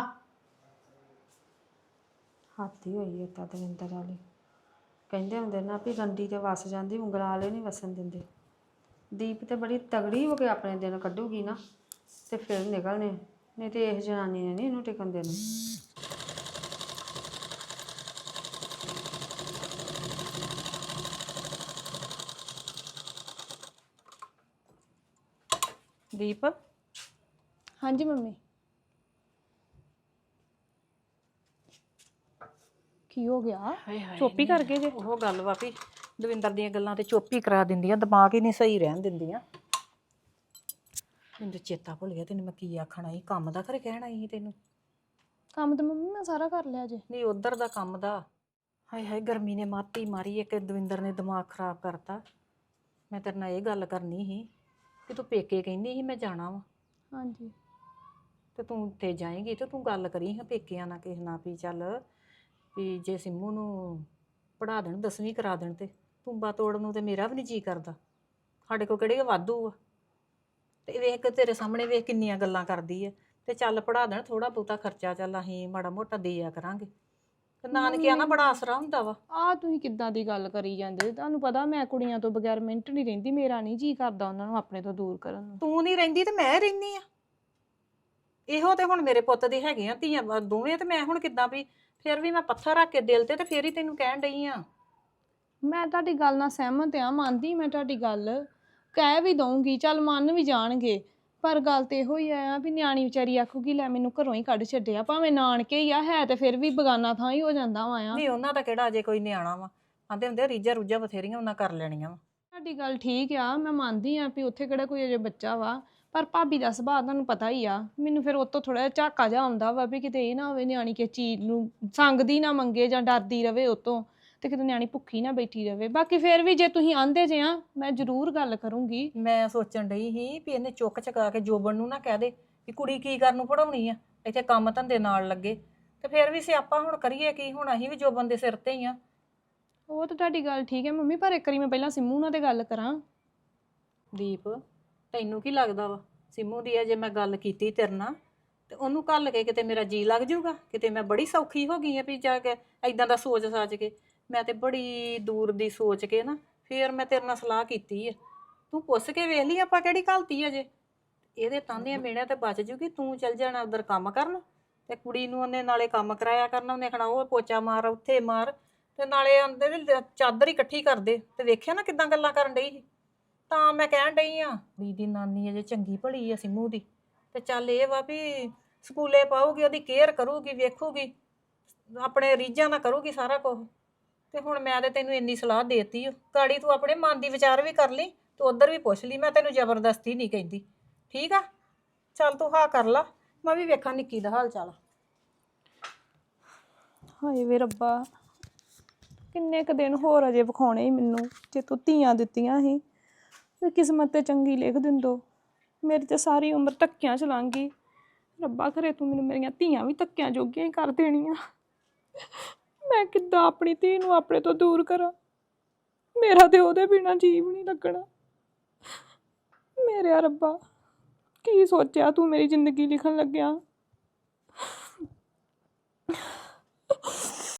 [SPEAKER 3] ਹਾਥੀ ਹੋਈ ਤਾਂ ਦਵਿੰਦਰ ਵਾਲੀ ਕਹਿੰਦੇ ਹੁੰਦੇ ਨਾ ਵੀ ਰੰਡੀ ਤੇ ਵਸ ਜਾਂਦੀ ਉਂਗਲਾਂ ਵਾਲੇ ਨਹੀਂ ਵਸਣ ਦਿੰਦੇ। ਦੀਪ ਤੇ ਬੜੀ ਤਗੜੀ ਹੋ ਕੇ ਆਪਣੇ ਦਿਨ ਕੱਢੂਗੀ ਨਾ ਤੇ ਫਿਰ ਨਿਕਲਣੇ ਨਹੀਂ ਤੇ ਇਹ ਜਨਾਨੀ ਨੇ ਨਹੀਂ ਇਹਨੂੰ ਟਿਕਣ ਦੇਣਾ।
[SPEAKER 1] ਦੀਪ
[SPEAKER 2] ਹਾਂਜੀ ਮੰਮੀ ਕੀ ਹੋ ਗਿਆ ਚੋਪੀ ਕਰਕੇ ਜੇ
[SPEAKER 1] ਉਹ ਗੱਲ ਵਾ ਵੀ ਦਵਿੰਦਰ ਦੀਆਂ ਗੱਲਾਂ ਤੇ ਚੁੱਪ ਹੀ ਕਰਾ ਦਿੰਦੀਆਂ ਦਿਮਾਗ ਹੀ ਨਹੀਂ ਸਹੀ ਰਹਿਣ ਦਿੰਦੀਆਂ। ਮੈਨੂੰ ਚੇਤਾ ਭੁੱਲ ਗਿਆ ਤੈਨੂੰ ਮੈਂ ਕੀ ਆਖਣਾ ਸੀ ਕੰਮ ਦਾ ਘਰੇ ਕਹਿਣਾ ਸੀ ਤੈਨੂੰ।
[SPEAKER 2] ਕੰਮ ਤਾਂ ਮੰਮੀ ਮੈਂ ਸਾਰਾ ਕਰ ਲਿਆ ਜੇ।
[SPEAKER 1] ਨਹੀਂ ਉਧਰ ਦਾ ਕੰਮ ਦਾ ਹਾਏ ਹਾਏ ਗਰਮੀ ਨੇ ਮਾਤੀ ਮਾਰੀ ਇੱਕ ਦਵਿੰਦਰ ਨੇ ਦਿਮਾਗ ਖਰਾਬ ਕਰਤਾ। ਮੈਂ ਤੇਰੇ ਨਾਲ ਇਹ ਗੱਲ ਕਰਨੀ ਸੀ ਕਿ ਤੂੰ ਪੇਕੇ ਕਹਿੰਦੀ ਸੀ ਮੈਂ ਜਾਣਾ ਵਾ
[SPEAKER 2] ਹਾਂਜੀ
[SPEAKER 1] ਤੇ ਤੂੰ ਉੱਥੇ ਜਾਏਂਗੀ ਤੇ ਤੂੰ ਗੱਲ ਕਰੀ ਹਾਂ ਪੇਕਿਆਂ ਨਾਲ ਕਿਸੇ ਨਾਲ ਵੀ ਚੱਲ ਵੀ ਜੇ ਸਿੰਮੂ ਨੂੰ ਪੜ੍ਹਾ ਦੇਣ ਦਸਵੀਂ ਕਰਾ ਦੇਣ ਤੇ ਤੁੰਬਾ ਤੋੜਨ ਨੂੰ ਤੇ ਮੇਰਾ ਵੀ ਨਹੀਂ ਜੀ ਕਰਦਾ ਸਾਡੇ ਕੋਲ ਕਿਹੜੇ ਵਾਧੂ ਆ ਤੇ ਵੇਖ ਕੇ ਤੇਰੇ ਸਾਹਮਣੇ ਵੇਖ ਕਿੰਨੀਆਂ ਗੱਲਾਂ ਕਰਦੀ ਆ ਤੇ ਚੱਲ ਪੜ੍ਹਾ ਦੇਣ ਥੋੜਾ ਬਹੁਤਾ ਖਰਚਾ ਚੱਲ ਅਸੀਂ ਮਾੜਾ ਮੋਟਾ ਦਿਆ ਕਰਾਂਗੇ ਤੇ ਨਾਨਕਿਆਂ ਨਾਲ ਬੜਾ ਆਸਰਾ ਹੁੰਦਾ ਵਾ।
[SPEAKER 2] ਆ ਤੁਸੀਂ ਕਿੱਦਾਂ ਦੀ ਗੱਲ ਕਰੀ ਜਾਂਦੇ ਤੁਹਾਨੂੰ ਪਤਾ ਮੈਂ ਕੁੜੀਆਂ ਤੋਂ ਬਗੈਰ ਮਿੰਟ ਨਹੀਂ ਰਹਿੰਦੀ ਮੇਰਾ ਨਹੀਂ ਜੀ ਕਰਦਾ ਉਹਨਾਂ ਨੂੰ ਆਪਣੇ ਤੋਂ ਦੂਰ ਕਰਨ ਨੂੰ।
[SPEAKER 1] ਤੂੰ ਨਹੀਂ ਰਹਿੰਦੀ ਤੇ ਮੈਂ ਰਹਿੰਦੀ ਆ ਇਹੋ ਤੇ ਹੁਣ ਮੇਰੇ ਪੁੱਤ ਦੇ ਹੈਗੇ ਆ ਧੀਆਂ ਵਾ- ਦੋਵੇਂ ਤੇ ਮੈਂ ਹੁਣ ਕਿੱਦਾਂ ਵੀ ਫਿਰ ਵੀ ਮੈਂ ਪੱਥਰ ਰੱਖ ਕੇ ਦਿਲ ਤੇ ਤੇ ਫੇਰ ਹੀ ਤੈਨੂੰ ਕਹਿਣ ਡਈ ਆ।
[SPEAKER 2] ਮੈਂ ਤੁਹਾਡੀ ਗੱਲ ਨਾਲ ਸਹਿਮਤ ਆ, ਮੰਨਦੀ ਮੈਂ ਤੁਹਾਡੀ ਗੱਲ, ਕਹਿ ਵੀ ਦਊਂਗੀ, ਚੱਲ ਮੰਨ ਵੀ ਜਾਣਗੇ। ਪਰ ਗੱਲ ਤੇ ਇਹੋ ਹੀ ਆ ਵੀ ਨਿਆਣੀ ਵਿਚਾਰੀ ਆਖੂਗੀ ਲੈ ਮੈਨੂੰ ਘਰੋਂ ਹੀ ਕੱਢ ਛੱਡਿਆ, ਭਾਵੇਂ ਨਾਨਕੇ ਹੀ ਆ, ਹੈ ਤੇ ਫਿਰ ਵੀ ਬਗਾਨਾ ਥਾਂ ਹੀ ਹੋ ਜਾਂਦਾ ਵਾ ਆ।
[SPEAKER 1] ਨਹੀਂ ਉਹਨਾਂ ਦਾ ਕਿਹੜਾ ਅਜੇ ਕੋਈ ਨਿਆਣਾ ਵਾ, ਆਂਦੇ ਹੁੰਦੇ ਰੀਝਾਂ ਰੂਝਾਂ ਬਥੇਰੀਆਂ ਉਹਨਾਂ ਕਰ ਲੈਣੀਆਂ ਵਾ।
[SPEAKER 2] ਤੁਹਾਡੀ ਗੱਲ ਠੀਕ ਆ, ਮੈਂ ਮੰਨਦੀ ਆ ਵੀ ਉੱਥੇ ਕਿਹੜਾ ਕੋਈ ਅਜੇ ਬੱਚਾ ਵਾ, ਪਰ ਭਾਬੀ ਦਾ ਸੁਭਾਅ ਤੁਹਾਨੂੰ ਪਤਾ ਹੀ ਆ। ਮੈਨੂੰ ਫਿਰ ਉਹ ਤੋਂ ਥੋੜਾ ਜਿਹਾ ਝਾਕਾ ਜਿਹਾ ਆਉਂਦਾ ਵਾ ਵੀ ਕਿਤੇ ਇਹ ਨਾ ਹੋਵੇ ਨਿਆਣੀ ਕਿਸੇ ਚੀਜ਼ ਨੂੰ ਸੰਗਦੀ ਨਾ ਮੰਗੇ ਜਾਂ ਡਰਦੀ ਰਵੇ ਉਤੋਂ, ਤੇ ਕਿਤੇ ਨਿਆਣੀ ਭੁੱਖੀ ਨਾ ਬੈਠੀ ਰਵੇ। ਬਾਕੀ ਫਿਰ ਵੀ ਜੇ ਤੁਸੀਂ ਆਂਦੇ ਜੇ ਆ ਮੈਂ ਜ਼ਰੂਰ ਗੱਲ ਕਰੂੰਗੀ।
[SPEAKER 1] ਮੈਂ ਸੋਚਣ ਡਈ ਸੀ ਵੀ ਇਹਨੇ ਚੁੱਕ ਚਕਾ ਕੇ ਜੋਬਨ ਨੂੰ ਨਾ ਕਹਿ ਦੇ ਵੀ ਕੁੜੀ ਕੀ ਕਰਨ ਨੂੰ ਪੜਾਉਣੀ ਆ, ਇੱਥੇ ਕੰਮ ਧੰਦੇ ਨਾਲ ਲੱਗੇ, ਤੇ ਫਿਰ ਵੀ ਸਿਆਪਾ ਹੁਣ ਕਰੀਏ ਕੀ, ਹੁਣ ਅਸੀਂ ਵੀ ਜੋਬਨ ਦੇ ਸਿਰ ਤੇ ਹੀ ਆ।
[SPEAKER 2] ਉਹ ਤਾਂ ਤੁਹਾਡੀ ਗੱਲ ਠੀਕ ਹੈ ਮੰਮੀ, ਪਰ ਇੱਕ ਵਾਰੀ ਮੈਂ ਪਹਿਲਾਂ ਸਿੰਮੂ ਨਾਲ ਤੇ ਗੱਲ ਕਰਾਂ।
[SPEAKER 1] ਦੀਪ ਤੈਨੂੰ ਕੀ ਲੱਗਦਾ ਵਾ ਸਿੰਮੂ ਦੀ ਜੇ ਮੈਂ ਗੱਲ ਕੀਤੀ ਤੇਰੇ ਨਾਲ ਤੇ ਉਹਨੂੰ ਘੱਲ ਕੇ ਕਿਤੇ ਮੇਰਾ ਜੀ ਲੱਗ ਜਾਊਗਾ, ਕਿਤੇ ਮੈਂ ਬੜੀ ਸੌਖੀ ਹੋ ਗਈ ਆ ਵੀ ਜਾ ਕੇ ਐਦਾਂ ਦਾ ਸੋਚ ਸਾਚ ਕੇ। ਮੈਂ ਤੇ ਬੜੀ ਦੂਰ ਦੀ ਸੋਚ ਕੇ ਨਾ ਫੇਰ ਮੈਂ ਤੇਰੇ ਨਾਲ ਸਲਾਹ ਕੀਤੀ ਆ। ਤੂੰ ਪੁੱਛ ਕੇ ਵੇਖ ਲਈ ਆਪਾਂ ਕਿਹੜੀ ਘਲਤੀ ਅਜੇ, ਇਹਦੇ ਤਾਂਦੇ ਮੇੜਿਆਂ ਤੇ ਬਚ ਜੂਗੀ। ਤੂੰ ਚੱਲ ਜਾਣਾ ਉਧਰ ਕੰਮ ਕਰਨ ਤੇ ਕੁੜੀ ਨੂੰ ਉਹਨੇ ਨਾਲੇ ਕੰਮ ਕਰਾਇਆ ਕਰਨਾ, ਉਹਨੇ ਆਖਣਾ ਉਹ ਪੋਚਾ ਮਾਰ ਉੱਥੇ ਮਾਰ, ਤੇ ਨਾਲੇ ਆਂਦੇ ਚਾਦਰ ਹੀ ਇਕੱਠੀ ਕਰਦੇ। ਤੇ ਵੇਖਿਆ ਨਾ ਕਿੱਦਾਂ ਗੱਲਾਂ ਕਰਨ ਡਈ ਸੀ। ਤਾਂ ਮੈਂ ਕਹਿਣ ਡਈ ਆ ਵੀ ਦੀ ਨਾਨੀ ਅਜੇ ਚੰਗੀ ਭਲੀ ਆ ਸਿੰਮੂ ਦੀ, ਤੇ ਚੱਲ ਇਹ ਵਾ ਵੀ ਸਕੂਲੇ ਪਾਊਗੀ, ਉਹਦੀ ਕੇਅਰ ਕਰੂਗੀ, ਵੇਖੂਗੀ, ਆਪਣੇ ਰੀਝਾਂ ਨਾਲ ਕਰੂਗੀ ਸਾਰਾ ਕੁਝ। ਤੇ ਹੁਣ ਮੈਂ ਤੇ ਤੈਨੂੰ ਇੰਨੀ ਸਲਾਹ ਦੇਤੀ ਓ, ਗਾੜੀ ਤੂੰ ਆਪਣੇ ਮਨ ਦੀ ਵਿਚਾਰ ਵੀ ਕਰ ਲਈ, ਤੂੰ ਉੱਧਰ ਵੀ ਪੁੱਛ ਲਈ, ਮੈਂ ਤੈਨੂੰ ਜ਼ਬਰਦਸਤੀ ਨਹੀਂ ਕਹਿੰਦੀ, ਠੀਕ ਆ? ਚੱਲ ਤੂੰ ਹਾਂ ਕਰ ਲਾ, ਮੈਂ ਵੀ ਵੇਖਾਂ ਨਿੱਕੀ ਦਾ ਹਾਲ ਚਾਲ।
[SPEAKER 2] ਹਾਏ ਵੇ ਰੱਬਾ, ਕਿੰਨੇ ਕੁ ਦਿਨ ਹੋਰ ਅਜੇ ਵਿਖਾਉਣੇ ਸੀ ਮੈਨੂੰ, ਜੇ ਤੂੰ ਧੀਆਂ ਦਿੱਤੀਆਂ ਸੀ ਤੇ ਕਿਸਮਤ ਤੇ ਚੰਗੀ ਲਿਖ ਦਿੰਦੋ। ਮੇਰੀ ਤੇ ਸਾਰੀ ਉਮਰ ਧੱਕਿਆਂ ਚ ਲੰਘ ਗਈ। ਰੱਬਾ ਖਰੇ ਤੂੰ ਮੈਨੂੰ ਮੇਰੀਆਂ ਧੀਆਂ ਵੀ ਧੱਕਿਆਂ ਜੋਗੀਆਂ ਹੀ ਕਰ ਦੇਣੀਆਂ। ਮੈਂ ਕਿੱਦਾਂ ਆਪਣੀ ਧੀ ਨੂੰ ਆਪਣੇ ਤੋਂ ਦੂਰ ਕਰਾਂ, ਮੇਰਾ ਤੇ ਉਹਦੇ ਬਿਨਾਂ ਜੀਵ ਨਹੀਂ ਲੱਗਣਾ। ਮੇਰੇ ਰੱਬਾ ਕੀ ਸੋਚਿਆ ਤੂੰ ਮੇਰੀ ਜ਼ਿੰਦਗੀ ਲਿਖਣ ਲੱਗਿਆ।